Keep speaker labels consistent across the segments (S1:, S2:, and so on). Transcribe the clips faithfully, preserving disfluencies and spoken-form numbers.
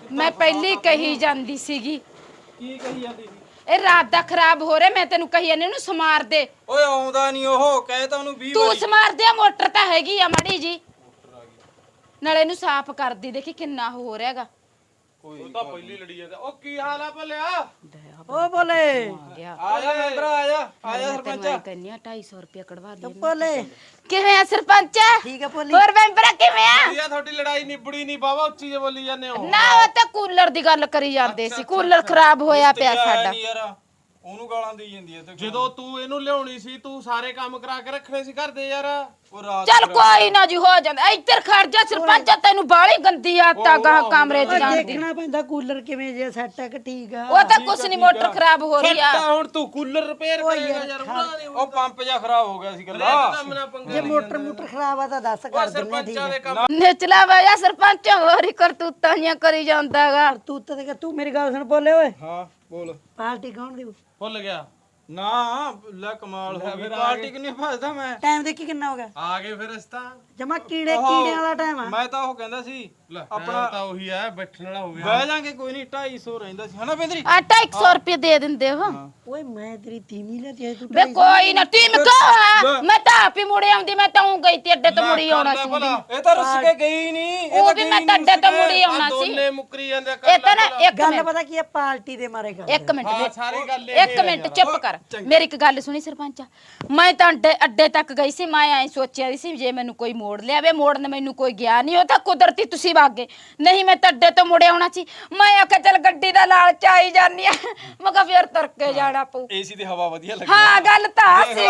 S1: ਮੈਂ ਪਹਿਲੀ ਕਹੀ ਜਾਂਦੀ ਸੀਗੀ
S2: ਕੀ ਕਹੀ ਜਾਂਦੀ ਸੀ?
S1: ਇਹ ਰਾਤ ਦਾ ਖਰਾਬ ਹੋ ਰਿਹਾ ਮੈਂ ਤੈਨੂੰ ਕਹੀ ਜਾਂਦੀ ਉਹਨੂੰ ਸਮਾਰ ਦੇ।
S2: ਓਏ ਆਉਂਦਾ ਨਹੀਂ ਉਹ ਕਹੇ ਤਾਂ ਉਹਨੂੰ ਵੀਹ
S1: ਤੂੰ
S2: ਵਾਰੀ
S1: ਸਮਾਰ ਦੇ ਮੋਟਰ ਤਾਂ ਹੈਗੀ ਆ ਮਾੜੀ ਜੀ ਨਾਲੇ ਇਹਨੂੰ ਸਾਫ਼ ਕਰਦੀ ਦੇਖੀ ਕਿੰਨਾ ਹੋ ਰਿਹਾਗਾ।
S2: ਕੋਈ ਤਾਂ ਪਹਿਲੀ ਲੜੀ ਜਾਂਦਾ। ਉਹ ਕੀ ਹਾਲ ਆ ਭਲਿਆ?
S3: ਓ ਬੋਲੇ
S1: ਆ ਗਿਆ
S2: ਆ ਜਾ ਮੈਂਬਰ ਆ ਜਾ ਆ ਜਾ ਸਰਪੰਚ।
S1: ਮੈਂ ਕਹਿੰਨੀ ਆ ਢਾਈ ਸੌ ਰੁਪਇਆ ਕਢਵਾ ਦੇ
S3: ਬੋਲੇ
S1: ਕਿਵੇਂ ਆ ਸਰਪੰਚ?
S3: ਠੀਕ ਆ ਭੋਲੀ।
S1: ਹੋਰ ਮੈਂਬਰ ਕਿਵੇਂ ਆ?
S2: ਵਧੀਆ ਤੁਹਾਡੀ ਲੜਾਈ ਨਿਬੜੀ ਨਹੀਂ ਬਾਬਾ ਉੱਚੀ ਜੇ ਬੋਲੀ ਜਾਂਦੇ ਹੋ।
S1: ਨਾ ਉਹ ਤਾਂ ਕੂਲਰ ਦੀ ਗੱਲ ਕਰੀ ਜਾਂਦੇ ਸੀ ਕੂਲਰ ਖਰਾਬ ਹੋਇਆ ਪਿਆ ਸਾਡਾ।
S2: ਯਾਰ ਉਹਨੂੰ ਗਾਲਾਂ ਦੇਈ ਜਾਂਦੀ ਐ ਤੇ ਜਦੋਂ ਤੂੰ ਇਹਨੂੰ ਲਿਆਉਣੀ ਸੀ ਤੂੰ ਸਾਰੇ ਕੰਮ ਕਰਾ ਕੇ ਰੱਖਣੇ ਸੀ ਘਰ ਦੇ ਯਾਰ। ਉਹ ਰਾਤ
S1: ਚੱਲ ਕੋਈ ਨਾ ਜੀ ਹੋ ਜਾਂਦਾ ਇੱਧਰ ਖੜ ਜਾ ਸਰਪੰਚ ਤੈਨੂੰ ਬਾਲੀ ਗੰਦੀ ਆਦਤ ਆ ਗਾ ਕਮਰੇ 'ਚ ਜਾਣ ਦੀ।
S3: ਦੇਖਣਾ ਪੈਂਦਾ ਕੂਲਰ ਕਿਵੇਂ ਜੇ ਸੈੱਟ ਹੈ ਕਿ ਠੀਕ ਆ।
S1: ਉਹ ਤਾਂ ਕੁਛ ਨਹੀਂ ਮੋਟਰ ਖਰਾਬ ਹੋ ਰਹੀ ਆ।
S2: ਤਾਂ ਹੁਣ ਤੂੰ ਕੂਲਰ ਰਿਪੇਅਰ ਕਰੇਗਾ ਯਾਰ ਉਹਨਾਂ ਨੇ ਉਹ ਪੰਪ ਜਿਹਾ ਖਰਾਬ ਹੋ ਗਿਆ ਸੀ ਗੱਲਾਂ ਕੰਮ ਨਾ ਪੰਗਾ।
S3: ਜੇ ਮੋਟਰ ਮੋਟਰ ਖਰਾਬ ਆ ਤਾਂ ਦੱਸ ਕਰ ਦਿੰਦੇ ਆ, ਠੀਕ
S2: ਸਰਪੰਚਾਂ ਦੇ
S3: ਹੈ।
S2: ਕੰਮ
S1: ਨਿਚਲਾ ਵਾਇਆ ਸਰਪੰਚ ਹੋਰ ਹੀ ਕਰਤੂਤਾਂ ਜੀਆਂ ਕਰੀ ਜਾਂਦਾਗਾ।
S3: ਤੂੰ ਤਾਂ ਤੂੰ ਮੇਰੀ ਗੱਲ ਸੁਣ ਬੋਲੇ ਓਏ
S2: ਹਾਂ ਬੋਲ।
S3: ਪਾਰਟੀ ਕੌਣ ਦੇਊ?
S2: ਭੁੱਲ ਗਿਆ ਨਾ ਲੈ ਕਮਾਲ ਹੋ ਗਈ ਪਾਰਟੀ ਕਿ ਨਹੀਂ ਭਜਦਾ ਮੈਂ।
S3: ਟਾਈਮ ਦੇਖੀ ਕਿੰਨਾ ਹੋ ਗਿਆ?
S2: ਆ ਗਏ ਫਿਰ ਇਸ ਤਾਂ
S3: ਜਮਾ ਕੀੜੇ ਕੀੜਿਆਂ ਵਾਲਾ ਟਾਈਮ ਆ।
S2: ਮੈਂ ਤਾਂ ਉਹ ਕਹਿੰਦਾ ਸੀ ਆਪਣਾ ਤਾਂ ਉਹੀ ਹੈ ਬੈਠਣ ਵਾਲਾ ਹੋ ਗਿਆ। ਬਹਿ ਜਾਾਂਗੇ ਕੋਈ ਨਹੀਂ ਢਾਈ ਸੌ ਰਹਿੰਦਾ ਸੀ ਹਨਾ ਬੇਂਦਰੀ।
S1: ਆ ਢਾਈ ਸੌ ਰੁਪਏ ਦੇ ਦਿੰਦੇ ਹੋ।
S3: ਓਏ ਮੈਂ ਤੇਰੀ ਤੀਵੀਂ ਲੈ ਤੇ ਤੂੰ
S1: ਬੇ ਕੋਈ ਨਾ ਟੀਮ ਕਾ ਮੈਂ ਤਾਂ ਆਪ ਹੀ ਮੁੜੇ ਆਉਂਦੀ ਮੈਂ ਤਾਂ ਉਹ ਗਈ ਤੇ ਅੱਡੇ ਤੋਂ ਮੁੜੀ ਆਉਣਾ ਸੀ।
S2: ਇਹ ਤਾਂ ਰੁੱਸ ਕੇ ਗਈ ਨਹੀਂ।
S1: ਉਹ ਵੀ ਮੈਂ ਤਾਂ ਅੱਡੇ ਤੋਂ ਮੁੜੀ ਆਉਣਾ ਸੀ।
S2: ਦੋਨੇ ਮੁੱਕਰੀ ਜਾਂਦੇ
S1: ਇਹ ਤਾਂ ਨਾ ਇੱਕ
S3: ਗੱਲ
S1: ਮਿੰਟ
S3: ਪਤਾ ਕੀ ਆ ਪਾਰਟੀ ਦੇ ਮਾਰੇ ਕਰ।
S1: ਇੱਕ ਮਿੰਟ ਵੇ-
S2: ਸਾਰੀ ਗੱਲ
S1: ਇੱਕ ਮਿੰਟ ਚੁੱਪ ਕਰ ਮੇਰੀ ਇੱਕ ਗੱਲ ਸੁਣੀ ਸਰਪੰਚ। ਮੈਂ ਤਾਂ ਅੱਡੇ ਅੱਡੇ ਤੱਕ ਗਈ ਸੀ ਮੈਂ ਐ ਸੋਚਿਆ ਸੀ ਜੇ ਮੈਨੂੰ ਕੋਈ ਮੋੜ ਲਿਆਵੇ ਮੋੜਨ ਮੈਨੂੰ ਕੋਈ ਗਿਆ ਨਹੀਂ ਉਹ ਤਾਂ ਕੁਦਰਤੀ ਤੁਸੀਂ ਵਗ ਗਏ ਨਹੀਂ ਮੈਂ ਤਾਂ ਅੱਡੇ ਤੋਂ ਮੁੜੇ ਆਉਣਾ ਸੀ। ਮੈਂ ਆਖਿਆ ਚੱਲ ਗੱਡੀ ਦਾ ਲਾਲਚ ਆਈ ਜਾਨੀ ਆ ਮੈਂ ਕਿਹਾ ਫੇਰ ਤੁਰ ਕੇ ਜਾਣਾ ਪਊ।
S2: ਏਸੀ ਦੀ ਹਵਾ ਵਧੀਆ ਲੱਗੀ।
S1: ਹਾਂ ਗੱਲ ਤਾਂ ਸੀਗੀ।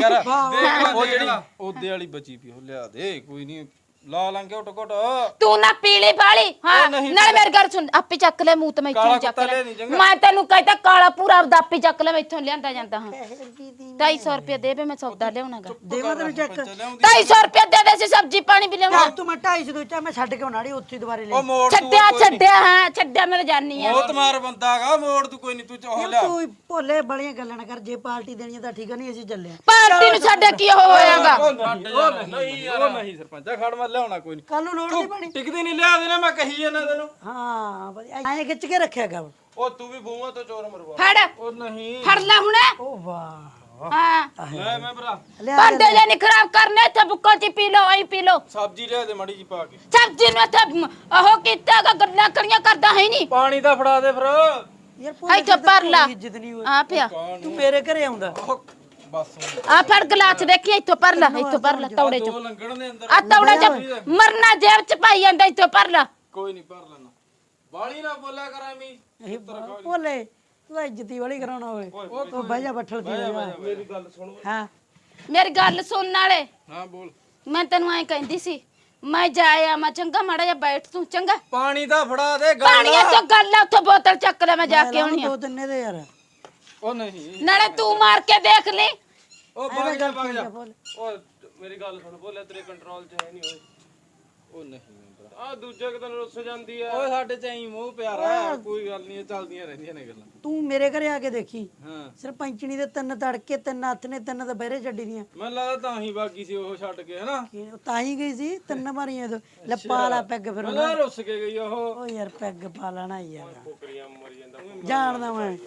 S2: ਉਹ ਜਿਹੜੀ ਉਹਦੇ ਵਾਲੀ ਬਚੀ ਪਈ ਉਹ ਲਿਆ ਦੇ ਕੋਈ ਨਹੀਂ ਲਾ ਲਾਂਗੇ ਓਟ ਕੋਟ।
S1: ਤੂੰ ਨਾ ਪੀਲੀ ਬਾਲੀ ਹਾਂ ਨਾਲ ਮੇਰੀ ਗੱਲ ਸੁਣ ਆਪੇ ਚੱਕ ਲੈ ਮੂੰਹ ਤੇ ਮੈਂ ਇੱਥੋਂ ਚੱਕ ਲੈ ਮੈਂ ਤੈਨੂੰ ਕਹਿੰਦਾ ਕਾਲਾ ਪੂਰਾ ਆਪਦਾ ਆਪੇ ਚੱਕ ਲੈ ਮੈਂ ਇੱਥੋਂ ਲਿਆਂਦਾ ਜਾਂਦਾ ਹਾਂ। ਢਾਈ ਸੌ ਰੁਪਏ ਦੇ ਵੇ ਮੈਂ ਸੌਦਾ ਲਿਆਉਣਾਗਾ।
S3: ਦੇਵਾ ਤੈਨੂੰ ਚੱਕ
S1: ਢਾਈ ਸੌ ਰੁਪਏ ਦੇ ਦੇ ਸੀ ਸਬਜ਼ੀ ਪਾਣੀ ਵੀ ਲਿਆਉਣਾ।
S3: ਤੂੰ ਮੈਂ ਢਾਈ ਸੌ ਦੋਚਾ ਮੈਂ ਛੱਡ ਕੇ ਆਉਣਾੜੀ ਉੱਥੇ ਦੁਬਾਰੇ ਲੈ।
S2: ਉਹ ਮੋੜ
S1: ਛੱਡਿਆ ਛੱਡਿਆ ਹਾਂ ਛੱਡਿਆ ਮੈਂ ਜਾਨੀ ਆ।
S2: ਬਹੁਤ ਮਾਰ ਬੰਦਾਗਾ ਮੋੜ ਤੂੰ ਕੋਈ ਨਹੀਂ ਤੂੰ ਉਹ ਲਿਆ।
S3: ਤੂੰ ਭੋਲੇ ਬੜੀਆਂ ਗੱਲਾਂ ਨਾ ਕਰ ਜੇ ਪਾਰਟੀ ਦੇਣੀ ਤਾਂ ਠੀਕ ਆ ਨਹੀਂ ਅਸੀਂ ਚੱਲੇ ਆ।
S1: ਪਾਰਟੀ ਨੂੰ ਸਾਡੇ ਕੀ ਹੋਇਆਗਾ।
S2: ਉਹ ਨਹੀਂ ਉਹ ਨਹੀਂ ਸਰਪੰਚਾ ਖੜ ਮੈਂ ਲਿਆਉਣਾ ਕੋਈ ਨਹੀਂ।
S3: ਕੱਲ ਨੂੰ ਲੋੜ ਨਹੀਂ ਪਣੀ।
S2: ਟਿਕਦੀ ਨਹੀਂ ਲਿਆ ਦੇਣਾ ਮੈਂ ਕਹੀ ਜਾਂਦਾ ਤੈਨੂੰ।
S3: ਹਾਂ ਵਧੀਆ ਐਂ ਖਿੱਚ ਕੇ ਰੱਖਿਆ ਕਰ।
S2: ਉਹ ਤੂੰ ਵੀ ਬੂਹਾਂ ਤੋਂ ਚੋਰ ਮਰਵਾ।
S1: ਫੜ
S2: ਉਹ ਨਹੀਂ
S1: ਫੜ ਲੈ ਹੁਣ।
S3: ਓ ਵਾਹ
S1: ਹਾਂ
S2: ਲੈ ਮੈਂ ਭਰਾ
S3: ਲਿਆ
S1: ਭਾਂਡੇ ਜੇ ਨਹੀਂ ਖਰਾਬ ਕਰਨੇ ਇੱਥੇ ਬੁੱਕਾ ਚ ਪੀ ਲਓ ਐਂ ਪੀ ਲਓ।
S2: ਸਬਜ਼ੀ ਲਿਆ ਦੇ ਮਾੜੀ ਜੀ ਪਾ ਕੇ।
S1: ਸਬਜ਼ੀ ਨੂੰ ਇੱਥੇ ਉਹ ਕੀਤਾਗਾ ਗੱਲਾਂ ਕਰੀਆਂ ਕਰਦਾ ਹੈ ਨਹੀਂ।
S2: ਪਾਣੀ ਦਾ ਫੜਾ ਦੇ ਫਿਰ।
S3: ਯਾਰ ਭੋਲੇ
S1: ਇੱਥੇ ਭਰ ਲਾ
S3: ਇੱਜ਼ਤ ਨਹੀਂ ਹੋਈ।
S1: ਆ ਪਿਆ
S3: ਤੂੰ ਮੇਰੇ ਘਰੇ ਆਉਂਦਾ।
S2: ਬਸ
S1: ਆ ਫੜ ਗਲਾਸ ਦੇਖੀ ਇੱਥੋਂ ਭਰ ਲੈ ਇੱਥੋਂ ਭਰ ਲੈ ਤੌੜੇ ਚ
S2: ਉਹ ਲੰਗਣ ਦੇ ਅੰਦਰ
S1: ਆ ਤੌੜਾ ਚ ਮਰਨਾ ਜੇਬ ਚ ਪਾਈ ਜਾਂਦਾ ਇੱਥੋਂ ਭਰ ਲੈ।
S2: ਕੋਈ ਨਹੀਂ ਭਰ ਲੈਣਾ ਬਾਲੀ ਨਾ ਬੋਲਿਆ ਕਰ ਐਵੇਂ।
S3: ਇਹ ਭੋਲੇ ਤੂੰ ਇੱਜ਼ਤੀ ਵਾਲੀ ਕਰਾਉਣਾ ਓਏ। ਉਹ ਬਹਿ ਜਾ ਬੱਠਲ ਦੀ
S2: ਮੇਰੀ ਗੱਲ ਸੁਣ।
S3: ਹਾਂ
S1: ਮੇਰੀ ਗੱਲ ਸੁਣਨ ਵਾਲੇ
S2: ਹਾਂ ਬੋਲ।
S1: ਮੈਂ ਤੈਨੂੰ ਐਂ ਕਹਿੰਦੀ ਸੀ ਮੈਂ ਜਾਇਆ ਮੈਂ ਚੰਗਾ ਮਾੜਾ ਜਿਹਾ ਬੈਠ ਤੂੰ ਚੰਗਾ
S2: ਪਾਣੀ ਦਾ ਫੜਾ ਦੇ ਗੱਲ।
S1: ਪਾਣੀਆਂ ਤੋਂ ਗੱਲ ਆ ਉੱਥੋਂ ਬੋਤਲ ਚੱਕ ਲੈ ਮੈਂ ਜਾ ਕੇ ਆਉਣੀ ਆ।
S3: ਦੋ ਤਿੰਨੇ ਦੇ ਯਾਰ
S2: ਉਹ ਨਹੀਂ
S1: ਨਾਲੇ ਤੂੰ ਮਾਰ ਕੇ ਦੇਖ ਲੈ।
S2: ਉਹ ਭਾਗ ਜਾ ਭਾਗ ਜਾ।
S3: ਭੋਲੇ
S2: ਉਹ ਮੇਰੀ ਗੱਲ ਸੁਣ ਬੋਲਿਆ ਤੇਰੇ ਕੰਟਰੋਲ 'ਚ ਹੈ ਨਹੀਂ ਓਏ। ਉਹ ਨਹੀਂ ਆ ਦੂਜੇ ਕਿਤੇ ਰੁੱਸ ਜਾਂਦੀ ਆ। ਓਏ ਸਾਡੇ 'ਚ ਐਂ ਮੋਹ ਪਿਆਰਾ ਹੈ ਕੋਈ ਗੱਲ ਨਹੀਂ ਚੱਲਦੀਆਂ ਰਹਿੰਦੀਆਂ ਨੇ ਗੱਲਾਂ।
S3: ਤੂੰ ਮੇਰੇ ਘਰੇ ਆ ਕੇ ਦੇਖੀ
S2: ਹਾਂ
S3: ਸਰਪੰਚਣੀ ਦੇ ਤਿੰਨ ਤੜਕੇ ਤਿੰਨ ਹੱਥ ਨੇ ਤਿੰਨ ਤਾਂ ਬਹਿਰੇ ਛੱਡੀ ਦੀਆਂ।
S2: ਮੈਨੂੰ ਲੱਗਦਾ ਤਾਂ ਹੀ ਬਾਗੀ ਸੀ ਉਹ ਛੱਡ ਕੇ ਹਨਾ।
S3: ਕੀ ਉਹ ਤਾਂ ਹੀ ਗਈ ਸੀ ਤਿੰਨ ਮਾਰੀਆਂ ਤੋਂ ਲੱਪਾ ਲਾ ਪੈਗ ਫਿਰ
S2: ਮੈਨੂੰ ਰੁੱਸ ਕੇ ਗਈ ਉਹ।
S3: ਓ ਯਾਰ ਪੈਗ ਪਾ ਲੈਣਾ ਯਾਰ
S2: ਫੁਕਰੀਆਂ ਮਰੀ ਜਾਂਦਾ
S3: ਜਾਣਦਾ ਮੈਂ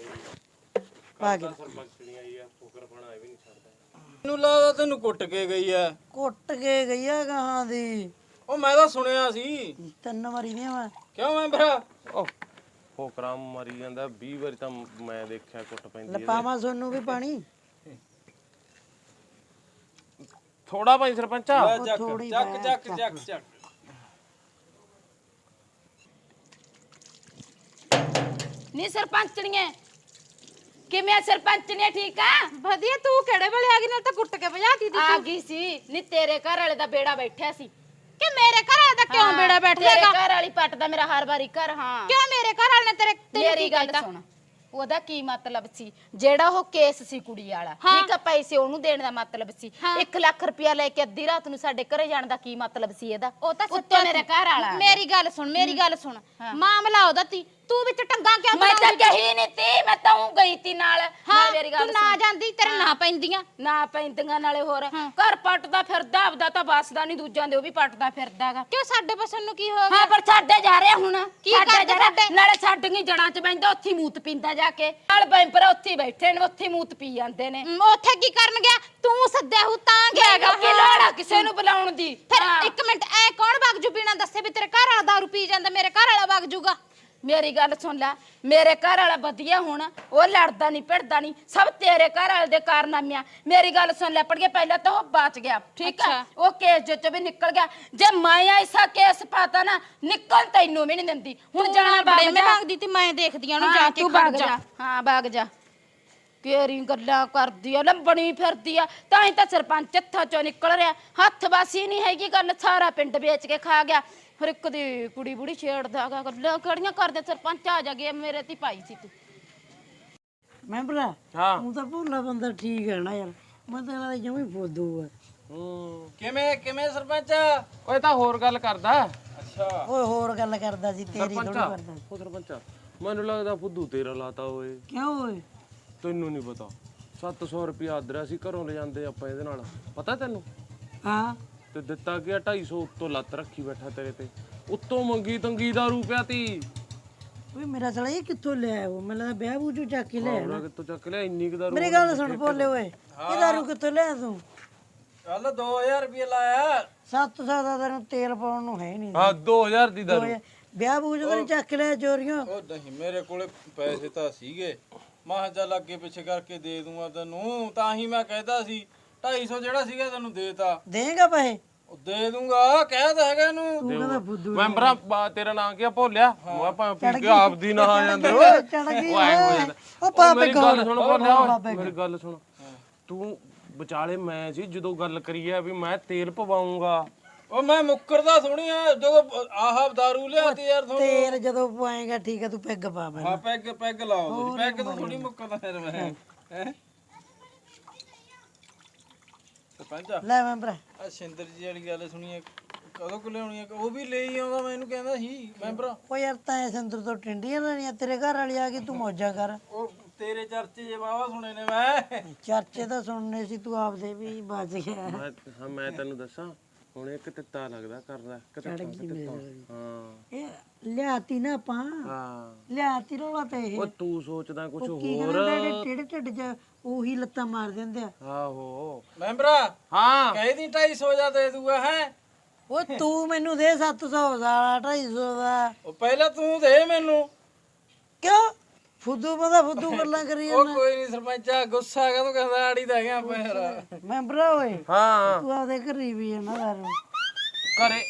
S3: ਪਾ ਕੇ
S2: ਸਰਪੰਚਣੀ ਆਈ ਆ ਫੁਕਰ ਬਣਾ ਵੀ ਨਹੀਂ ਛੱਡਦਾ। ਮੈਨੂੰ ਲੱਗਦਾ ਤੈਨੂੰ ਕੁੱਟ ਕੇ ਗਈ ਆ।
S3: ਕੁੱਟ ਕੇ ਗਈ ਆ ਗਾਹਾਂ ਦੀ।
S2: ਉਹ ਮੈਂ ਤਾਂ ਸੁਣਿਆ ਸੀ।
S3: ਤਿੰਨ ਮਾਰੀ ਦੀਆਂ ਵਾ
S2: ਕਿਉਂ ਮੈਂ ਭਰਾ
S4: ਉਹ ਫੋਕਰਾ ਮਰੀ ਜਾਂਦਾ ਵੀਹ ਵਾਰੀ ਤਾਂ ਮੈਂ ਦੇਖਿਆ ਕੁੱਟ ਪੈਂਦੀ ਹੈ।
S3: ਲਪਾਵਾ ਸੋਨੂੰ ਵੀ ਪਾਣੀ
S4: ਥੋੜਾ ਭਾਈ ਸਰਪੰਚਾ
S2: ਲੈ ਚੱਕ ਚੱਕ ਚੱਕ ਚੱਕ ਚੱਕ।
S1: ਨੀ ਸਰਪੰਚਣੀਏ ਕਿਵੇਂ ਆ ਸਰਪੰਚਣੀਏ ਠੀਕ ਆ
S5: ਵਧੀਆ ਤੂੰ ਕਿਹੜੇ ਵੇਲੇ ਆ ਗਈ ਨਾਲ ਤਾਂ ਕੁੱਟ ਕੇ ਭਜਾਤੀ ਤੀ
S1: ਆ ਗਈ ਸੀ ਨੀ ਤੇਰੇ ਘਰ ਵਾਲੇ ਦਾ ਬੇੜਾ ਬੈਠਿਆ ਸੀ।
S5: ਕਿ ਮੇਰੇ ਘਰ ਵਾਲੇ ਦਾ ਕਿਉਂ ਬੇੜਾ ਬੈਠ
S1: ਤੇਰੇ
S5: ਜਾਏਗਾ?
S1: ਘਰ ਵਾਲੀ ਪੱਟਦਾ ਮੇਰਾ ਹਰ ਵਾਰੀ ਘਰ ਹਾਂ
S5: ਕਿਉਂ ਮੇਰੇ ਘਰ ਵਾਲੇ ਨੇ ਤੇਰੇ ਤੈਨੂੰ
S1: ਮੇਰੀ
S5: ਕੀ
S1: ਗੱਲ
S5: ਕਹਿਤਾ?
S1: ਸੁਣ ਉਹਦਾ ਕੀ ਮਤਲਬ ਸੀ ਜਿਹੜਾ ਉਹ ਕੇਸ ਸੀ ਕੁੜੀ ਵਾਲਾ ਠੀਕ ਆ ਪੈਸੇ ਉਹਨੂੰ ਦੇਣ ਦਾ ਮਤਲਬ ਸੀ ਇੱਕ ਲੱਖ ਰੁਪਇਆ ਲੈ ਕੇ ਅੱਧੀ ਰਾਤ ਨੂੰ ਸਾਡੇ ਘਰੇ ਜਾਣ ਦਾ ਕੀ ਮਤਲਬ ਸੀ ਇਹਦਾ?
S5: ਉਹ ਤਾਂ
S1: ਉੱਤੋਂ ਮੇਰੇ ਘਰ ਵਾਲਾ
S5: ਮੇਰੀ ਗੱਲ ਸੁਣ ਮੇਰੀ ਗੱਲ ਸੁਣ ਮਾਮਲਾ ਉਹਦਾ ਤੀ ਤੂੰ ਵਿੱਚ ਟੰਗਾ ਕਿਉਂ
S1: ਮੈਂ ਤਾਂ
S5: ਬਣਾਉਂਦੀ?
S1: ਕਹੀ ਨਹੀਂ ਤੀ ਮੈਂ ਤਾਂ ਉਹ ਗਈ ਤੀ ਨਾਲ
S5: ਹਾਂ
S1: ਨਾਲ ਮੇਰੀ
S5: ਤੂੰ
S1: ਗੱਲ
S5: ਨਾ
S1: ਸੁਣ।
S5: ਜਾਂਦੀ ਤੇਰੇ ਨਾ ਪੈਂਦੀਆਂ।
S1: ਨਾ ਪੈਂਦੀਆਂ ਨਾਲੇ ਹੋਰ ਘਰ ਪੱਟਦਾ ਫਿਰਦਾ ਆਪਦਾ ਤਾਂ ਬਸਦਾ ਨਹੀਂ ਦੂਜਿਆਂ ਦੇ ਉਹ ਵੀ ਪੱਟਦਾ ਫਿਰਦਾਗਾ
S5: ਕਿਉਂ ਸਾਡੇ ਬਸਨ ਨੂੰ ਕੀ ਹੋ ਗਿਆ?
S1: ਹਾਂ ਪਰ ਛੱਡੇ ਜਾ ਰਿਹਾ ਹੁਣ
S5: ਕੀ
S1: ਛੱਡੇ
S5: ਕਰਦੇ
S1: ਜਾ ਰਿਹਾ।
S5: ਛੱਡੇ?
S1: ਨਾਲੇ ਛੱਡੀਆਂ ਜੜਾਂ 'ਚ ਬੈਂਦਾ ਉੱਥੇ ਹੀ ਮੂਤ ਪੀਂਦਾ ਜਾ ਕੇ ਨਾਲ ਬੈਂਪਰ ਉੱਥੇ ਹੀ ਬੈਠੇ ਨੇ ਉੱਥੇ ਹੀ ਮੂਤ ਪੀ ਜਾਂਦੇ ਨੇ
S5: ਮ, ਉੱਥੇ ਕੀ ਕਰਨ ਗਿਆ? ਤੂੰ ਸੱਦਿਆ ਹੂ ਤਾਂ ਗਿਆਗਾ।
S1: ਕੀ ਲੋੜ ਆ ਕਿਸੇ ਨੂੰ ਬੁਲਾਉਣ ਦੀ
S5: ਫਿਰ
S1: ਹਾਂ।
S5: ਇੱਕ ਮਿੰਟ ਐ ਕੌਣ ਬਾਗਜੂ ਪੀਣਾ ਦੱਸੇ ਵੀ ਤੇਰੇ ਘਰ ਵਾਲਾ ਦਾਰੂ ਪੀ ਜਾਂਦਾ ਮੇਰੇ ਘਰ ਵਾਲਾ ਬਾਗਜੂਗਾ?
S1: ਮੇਰੀ ਗੱਲ ਸੁਣ ਲੈ ਮੇਰੇ ਘਰ ਵਾਲਾ ਵਧੀਆ ਹੁਣ ਉਹ ਲੜਦਾ ਨਹੀਂ ਭਿੜਦਾ ਨਹੀਂ ਸਭ ਤੇਰੇ ਘਰ ਵਾਲੇ ਦੇ ਕਾਰਨਾਮਿਆਂ ਮੇਰੀ ਗੱਲ ਸੁਣ ਲੈ ਪੜ ਕੇ ਪਹਿਲਾਂ ਤਾਂ ਉਹ ਬਚ ਗਿਆ ਠੀਕ ਹੈ ਉਹ ਕੇਸ ਜੋ ਚ ਵੀ ਨਿਕਲ ਗਿਆ ਜੇ ਮੈਂ ਐਸਾ ਕੇਸ ਪਾਤਾ ਨਾ ਨਿਕਲ ਤੈਨੂੰ ਵੀ ਨਹੀਂ ਦਿੰਦੀ ਹੁਣ ਜਾਣਾ
S5: ਬੜੇ
S1: ਬਾਗ
S5: ਮੈਂ
S1: ਜਾ
S5: ਮੰਗਦੀ ਤੀ ਮੈਂ ਦੇਖਦੀ ਆ ਉਹਨੂੰ ਜਾ
S1: ਹਾਂ,
S5: ਕੇ
S1: ਤੂੰ
S5: ਖੜ
S1: ਬਾਗ
S5: ਜਾ।
S1: ਜਾ ਹਾਂ ਬਾਗ ਜਾ ਕਿਹੜੀ ਗੱਲਾਂ ਕਰਦੀ ਆ ਲੰਬਣੀ ਫਿਰਦੀ ਆ ਤਾਂ ਹੀ ਤਾਂ ਸਰਪੰਚ ਹੱਥਾਂ ਚੋਂ ਨਿਕਲ ਰਿਹਾ ਹੱਥ ਬਾਸੀ ਨਹੀਂ ਹੈਗੀ ਗੱਲ ਸਾਰਾ ਪਿੰਡ ਵੇਚ ਕੇ ਖਾ ਗਿਆ ਹਰ ਇੱਕ ਦੀ ਕੁੜੀ ਬੁੜੀ ਛੇੜਦਾਗਾ ਗੱਲਾਂ ਕਿਹੜੀਆਂ ਕਰਦੇ ਸਰਪੰਚ ਆ ਜਾ ਗਿਆ ਮੇਰੇ ਤੇ ਪਾਈ ਸੀ ਤੂੰ
S3: ਮੈਂਬਰਾ
S4: ਹਾਂ
S3: ਤੂੰ ਤਾਂ ਭੋਲਾ ਬੰਦਾ ਠੀਕ ਹੈ ਨਾ ਯਾਰ ਮੈਂ ਤਾਂ ਇਹਨਾਂ ਦਾ ਜਮੀ ਫੋਦੂ ਆ
S4: ਹੂੰ
S2: ਕਿਵੇਂ ਕਿਵੇਂ ਸਰਪੰਚ?
S4: ਓਏ ਤਾਂ ਹੋਰ ਗੱਲ ਕਰਦਾ
S2: ਅੱਛਾ
S3: ਓਏ ਹੋਰ ਗੱਲ ਕਰਦਾ ਸੀ ਤੇਰੀ ਥੋੜੀ
S4: ਸਰਪੰਚਾ
S3: ਕਰਦਾ ਸੀ।
S4: ਉਹ ਸਰਪੰਚਾ ਮੈਨੂੰ ਲੱਗਦਾ ਫੁੱਦੂ ਤੇਰਾ ਲਾਤਾ ਓਏ
S3: ਕਿਉਂ ਓਏ
S4: ਤੈਨੂੰ ਨਹੀਂ ਪਤਾ ਸੱਤ ਸੌ ਰੁਪਇਆ ਆਦਰਿਆ ਸੀ ਘਰੋਂ ਲੈ ਜਾਂਦੇ ਆਪਾਂ ਇਹਦੇ ਨਾਲ ਪਤਾ ਤੈਨੂੰ
S3: ਹਾਂ
S4: ਤੇ ਦਿੱਤਾ ਗਿਆ ਢਾਈ ਸੌ ਉੱਤੋਂ ਲੱਤ ਰੱਖੀ ਬੈਠਾ ਤੇਰੇ ਤੇ ਉੱਤੋਂ ਮੰਗੀ ਤੰਗੀ ਦਾ ਰੁਪਿਆ ਤੀ
S3: ਓਏ ਮੇਰਾ ਸਾਲਾ ਇਹ ਕਿੱਥੋਂ ਲਿਆ ਉਹ ਮੈਨੂੰ ਲੱਗਦਾ ਵਿਆਹ ਬੂਝੂ ਚੱਕ ਕੇ ਲਿਆ
S4: ਉਹਨਾਂ ਕਿੱਥੋਂ ਚੱਕ ਲਿਆ ਇੰਨੀ ਕੁ ਦਾ
S3: ਮੇਰੀ ਗੱਲ ਸੁਣ ਭੋਲੇ ਓਏ ਇਹ ਦਾਰੂ ਕਿੱਥੋਂ ਲਿਆ ਤੂੰ
S2: ਚੱਲ ਦੋ ਹਜ਼ਾਰ ਰੁਪਏ ਲਾਇਆ।
S3: ਸੱਤ ਸੌ ਦਾ ਤੈਨੂੰ ਤੇਲ ਪਾਉਣ ਨੂੰ ਹੈ ਨਹੀਂ
S4: ਹਾਂ ਦੋ ਹਜ਼ਾਰ ਦੀ ਦਾਰੂ
S3: ਵਿਆਹ ਬੂਝ ਤਾਂ ਨੀ ਚੱਕ ਲਿਆ ਚੋਰੀਆਂ
S2: ਉਹ ਨਹੀਂ ਮੇਰੇ ਕੋਲੇ ਪੈਸੇ ਤਾਂ ਸੀਗੇ ਮਾਹ ਚੱਲ ਅੱਗੇ ਪਿੱਛੇ ਕਰਕੇ ਦੇ ਦੂੰਗਾ ਤੈਨੂੰ ਤਾਂ ਹੀ ਮੈਂ ਕਹਿੰਦਾ ਸੀ ਢਾਈ ਸੌ ਜਿਹੜਾ ਸੀਗਾ ਤੈਨੂੰ ਦੇਤਾ
S3: ਦੇਗਾ ਪੈਸੇ
S2: ਉਹ ਦੇ ਦੂੰਗਾ ਕਹਿ ਤਾਂ ਹੈਗਾ ਇਹਨੂੰ।
S3: ਤੂੰ ਕਹਿੰਦਾ ਫੁੱਦੂ
S4: ਮੈਂਬਰਾਂ ਬਾ- ਤੇਰਾ ਨਾਂ ਕੀ ਆ ਭੋਲਿਆ ਮੈਂ ਆਪਾਂ ਪੀ ਕੇ ਆਪ ਦੀ ਨਾ ਆ ਜਾਂਦੇ ਓਏ
S3: ਚੜ ਗਈ
S4: ਉਹ ਐਂ ਹੋ ਜਾਂਦਾ
S3: ਉਹ ਪਾਪੇ
S4: ਮੇਰੀ ਗੱਲ ਸੁਣ ਭੋਲਿਆ ਓਏ,
S3: ਬਾਬੇ
S4: ਮੇਰੀ ਗੱਲ ਸੁਣ ਤੂੰ ਵਿਚਾਲੇ ਮੈਂ ਸੀ ਜਦੋਂ ਗੱਲ ਕਰੀ ਆ ਵੀ ਮੈਂ ਤੇਲ ਪਵਾਉਂਗਾ
S2: ਉਹ ਮੈਂ ਮੁੱਕਰਦਾ ਥੋੜੀ ਆ ਜਦੋਂ ਆਹ ਦਾਰੂ ਲਿਆਤੀ ਯਾਰ ਤੁਹਾਨੂੰ।
S3: ਤੇਲ ਜਦੋਂ ਪਵਾਏਗਾ ਠੀਕ ਹੈ ਤੂੰ ਪੈਗ ਪਾ ਮੈਂ
S2: ਹਾਂ ਪੈਗ ਪੈਗ ਲਾਓ ਤੁਸੀਂ ਪੈਗ ਤੋਂ ਥੋੜੀ ਮੁੱਕਰਦਾ ਫਿਰ ਮੈਂ ਹੈ ਸਰਪੰਚ
S3: ਲੈ ਮੈਂ ਭਰਾ
S2: ਆ ਸਿੰਦਰ ਜੀ ਵਾਲੀ ਗੱਲ ਸੁਣੀ ਆ ਕਦੋਂ ਕੁ ਲਿਆਉਣੀ ਆ ਉਹ ਵੀ ਲੈ ਹੀ ਆਉਂਦਾ ਮੈਨੂੰ ਕਹਿੰਦਾ ਸੀ ਮੈਂਬਰ
S3: ਉਹ ਯਾਰ ਤਾਂ ਸੰਦਰ ਤੋਂ ਟਿੰਡੀਆਂ ਲੈਣੀਆਂ ਤੇਰੇ ਘਰ ਵਾਲੀ ਆ ਗਈ ਤੂੰ ਮੌਜਾਂ ਕਰ
S2: ਉਹ ਤੇਰੇ ਚਰਚੇ ਜੇ ਵਾਵਾ ਸੁਣੇ ਨੇ ਮੈਂ
S3: ਚਰਚੇ ਤਾਂ ਸੁਣਨੇ ਸੀ ਤੂੰ ਆਪਦੇ ਵੀ ਬਚ ਗਿਆ
S4: ਮੈਂ ਹਾਂ ਮੈਂ ਤੈਨੂੰ ਦੱਸਾਂ ਹੁਣ ਇੱਕ ਤਿੱਤਾ ਲੱਗਦਾ ਕਰਦਾ ਕਿਤੇ ਹਾਂ
S3: ਇਹ ਲਿਆਤੀ ਨਾ ਆਪਾਂ
S4: ਹਾਂ
S3: ਲਿਆਤੀ ਰੋਲਾ ਤੇ ਇਹ
S4: ਉਹ ਤੂੰ ਸੋਚਦਾ ਕੁਝ
S3: ਕੀ
S4: ਹੋਰ
S3: ਕਹਿੰਦੇ ਟੇੜੇ ਢਿੱਡ ਚ ਉਹੀ ਲੱਤਾਂ ਮਾਰ ਦਿੰਦੇ ਆ
S4: ਆਹੋ
S2: ਮੈਂਬਰਾ
S4: ਹਾਂ
S2: ਕਹਿਦੀ ਢਾਈ ਸੌ ਜਾ ਦੇ ਦੂਗਾ ਹੈ
S3: ਉਹ ਤੂੰ ਮੈਨੂੰ ਦੇ ਸੱਤ ਸੌ ਦਾ ਢਾਈ ਸੌ ਦਾ
S2: ਉਹ ਪਹਿਲਾਂ ਤੂੰ ਦੇ ਮੈਨੂੰ
S3: ਕਿਉਂ ਫੁੱਦੂ ਬੰਦਾ ਫੁੱਦੂ ਗੱਲਾਂ ਕਰੀ
S2: ਉਹ ਕੋਈ ਨਹੀਂ ਸਰਪੰਚਾ ਗੁੱਸਾ ਕਦੋਂ ਕਹਿੰਦਾ ਆੜੀ ਦਾ ਗਿਆ ਪੈਰ
S3: ਮੈਂਬਰਾ ਓਏ
S4: ਹਾਂ
S3: ਤੂੰ ਆਪਦੇ ਘਰੀ ਵੀ ਆ ਨਾ ਦਾਰੂ
S4: ਕਰੇ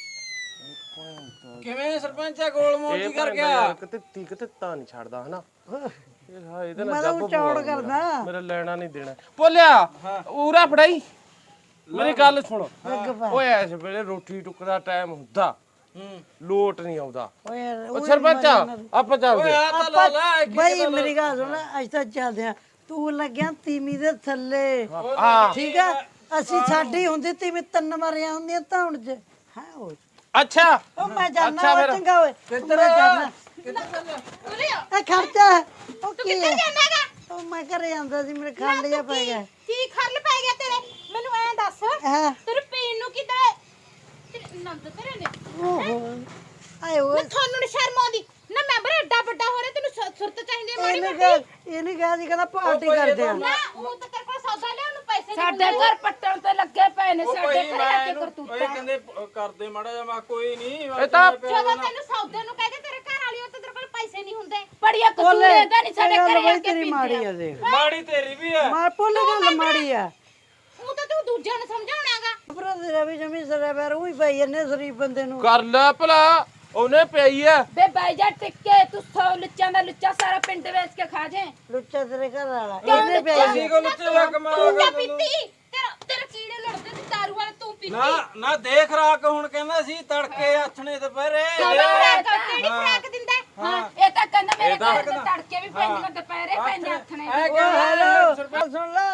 S2: ਕਿਵੇਂ ਸਰਪੰਚਾ ਗੋਲ ਮੋਜੀ ਕਰ ਗਿਆ
S4: ਯਾਰ ਕਿਤੇ ਤੀ ਕਿਤੇ ਤਾਂ ਨਹੀਂ ਛੱਡਦਾ ਹਨਾ ਇਹ ਹਾਂ ਇਹਦੇ ਨਾਲ
S3: ਮੈਂ ਤਾਂ
S4: ਜੱਬ
S3: ਚੌੜ ਕਰਦਾ
S4: ਮੇਰਾ ਲੈਣਾ ਨਹੀਂ ਦੇਣਾ ਬੋਲਿਆ ਉਰਾ ਫੜਾਈ ਮੇਰੀ ਗੱਲ ਸੁਣ ਓਏ ਇਸ ਵੇਲੇ ਰੋਟੀ ਟੁੱਕ ਦਾ ਟਾਈਮ ਹੁੰਦਾ
S2: ਹੂੰ
S4: ਲੋਟ ਨਹੀਂ ਆਉਂਦਾ
S3: ਓਏ ਯਾਰ
S4: ਉਹ ਸਰਪੰਚ ਆਪਾਂ ਚੱਲਦੇ
S2: ਆ ਤਾਂ ਲਾ ਲਾ ਇੱਕ
S3: ਬਈ ਮੇਰੀ ਗੱਲ ਸੁਣ ਅੱਜ ਤਾਂ ਚੱਲਦੇ ਆ ਤੂੰ ਲੱਗਿਆ ਤੀਮੀ ਦੇ ਥੱਲੇ
S4: ਹਾਂ
S3: ਠੀਕ ਆ ਅਸੀਂ ਸਾਡੀ ਹੁੰਦੀ ਤੀਮੀ ਤਿੰਨ ਮਾਰੀਆਂ ਹੁੰਦੀਆਂ ਧੌਣ ਚ ਹਾਂ ਓਏ
S4: ਅੱਛਾ
S3: ਉਹ ਮੈਂ ਜਾਣਾ ਓਏ ਚੰਗਾ ਓਏ ਕਿੱਧਰ ਜਾਣਾ ਇਹ ਖਰਚਾ ਉਹ ਕੀ ਹੈ ਉਹ ਮੈਂ ਘਰੇ ਆਂਦਾ ਸੀ ਮੇਰੇ ਖੰਡ ਜਿਹਾ ਪੈ ਗਿਆ
S5: ਕੀ ਖਰਲ ਪੈ ਗਿਆ ਤੇਰੇ? ਮੈਨੂੰ ਐਂ ਦੱਸ
S3: ਹਾਂ
S5: ਤੇਰੇ ਪੀਣ ਨੂੰ ਕਿਧਰੇ ਤੇਰੇ ਨੰਦ ਤੇਰੇ ਨੇ
S3: ਓਹੋ ਆਏ ਓਏ
S5: ਨਾ ਤੁਹਾਨੂੰ ਨੀ ਸ਼ਰਮ ਆਉਂਦੀ ਨਾ ਮੈਂਬਰ ਐਡਾ ਵੱਡਾ ਹੋ ਰਿਹਾ ਤੈਨੂੰ ਸੁ- ਸੁਰਤ ਚਾਹੀਦੀ ਹੈ ਮਾੜੀ
S3: ਇਹਨੇ
S5: ਮੋਟੀ
S3: ਕਿਹਾ ਇਹਨੇ ਕਿਹਾ ਸੀ ਕਹਿੰਦਾ ਪਾਰਟੀ ਕਰਦੇ ਆ
S5: ਨਾ ਉਹ ਤਾਂ ਤੇਰੇ ਕੋਲ ਸੌਦਾ ਲਿਆ ਉਹਨੂੰ ਪੈਸੇ ਦੇ
S1: ਸਾਡੇ ਘਰ ਪੱਟਣ ਤੇ ਲੱਗੇ ਪਏ ਨੇ ਸਾਡੇ
S2: ਕੋਈ
S1: ਘਰੇ
S2: ਮੈਂ
S1: ਆ ਕੇ
S2: ਇਹਨੂੰ-
S1: ਕਰਤੂਤਾਂ
S2: ਓਏ ਕਹਿੰਦੇ ਪ- ਕਰਦੇ ਮਾੜਾ ਜਿਹਾ ਮੈਂ ਕੋਈ ਨਹੀਂ
S4: ਇਹ ਤਾਂ
S5: ਜਦੋਂ ਤੈਨੂੰ ਸੌਦੇ ਨੂੰ ਕਹਿੰਦੇ ਤੇਰੇ ਘਰ ਵਾਲੀ ਉਹ ਤੇ ਤੇਰੇ ਕੋਲ ਪੈਸੇ ਨਹੀਂ ਹੁੰਦੇ
S1: ਬੜੀਆ ਕਸੂਰ ਇਹਦਾ ਨਹੀਂ ਸਾਡੇ ਘਰੇ ਆ ਕੇ
S3: ਤੇਰੀ
S1: ਪੀਂਦੇ
S3: ਮਾੜੀ
S1: ਆ।
S3: ਆ ਦੇਖ
S2: ਮਾੜੀ ਤੇਰੀ ਵੀ ਆ
S3: ਮਾਰ ਭੁੱਲ ਗੱਲ ਮਾੜੀ ਆ
S5: ਉਹ ਤਾਂ ਤੂੰ ਦੂਜਿਆਂ ਨੂੰ ਸਮਝਾਉਣਾਗਾ
S3: ਭਰਾ ਤੇਰਾ ਵੀ ਜਮੀ ਸਰਾ ਬੈਰ ਉਹੀ ਪਈ ਇਹਨੇ ਸਰੀਫ ਬੰਦੇ ਨੂੰ
S4: ਕਰ ਲੈ ਭਲਾ ਉਹਨੇ ਪਈ ਐ
S1: ਬੇ ਬਾਈ ਜਾ ਟਿੱਕੇ ਤੂੰ ਸੌ ਲੁੱਚਾਂ ਦਾ ਲੁੱਚਾ ਸਾਰਾ ਪਿੰਡ ਵੇਚ ਕੇ ਖਾ ਜੇ
S3: ਲੁੱਚਾ ਤੇਰੇ ਘਰ ਵਾਲਾ ਇਹਨੇ ਪਿਆ
S2: ਅਸੀਂ ਕੋ ਲੁੱਚੇ ਜਾ ਕਮਾ
S5: ਤੂੰ ਕਿਆ ਪੀਤੀ ਤੇਰਾ ਤੇਰੇ ਕੀੜੇ ਲੜਦੇ ਤੇ ਦਾਰੂ ਵਾਲੇ ਤੂੰ ਪੀਤੀ
S2: ਨਾ ਨਾ ਦੇਖ ਰਾਕ ਹੁਣ ਕਹਿੰਦਾ ਸੀ ਤੜਕੇ ਆਥਣੇ ਦੁਪਹਿਰੇ
S5: ਕਿਹੜੀ ਖਰਾਕ ਦਿੰਦਾ ਹੈ?
S1: ਹਾਂ ਇਹ ਤਾਂ ਕਹਿੰਦਾ ਮੇਰੇ ਘਰ ਦੇ ਤੜਕੇ ਵੀ ਪੈਂਦੀਆਂ ਦੁਪਹਿਰੇ ਪੈਂਦੇ ਹੱਥਣੇ
S2: ਐ ਕਿਹਾ
S3: ਹੈਲੋ ਸੁਣ ਲੈ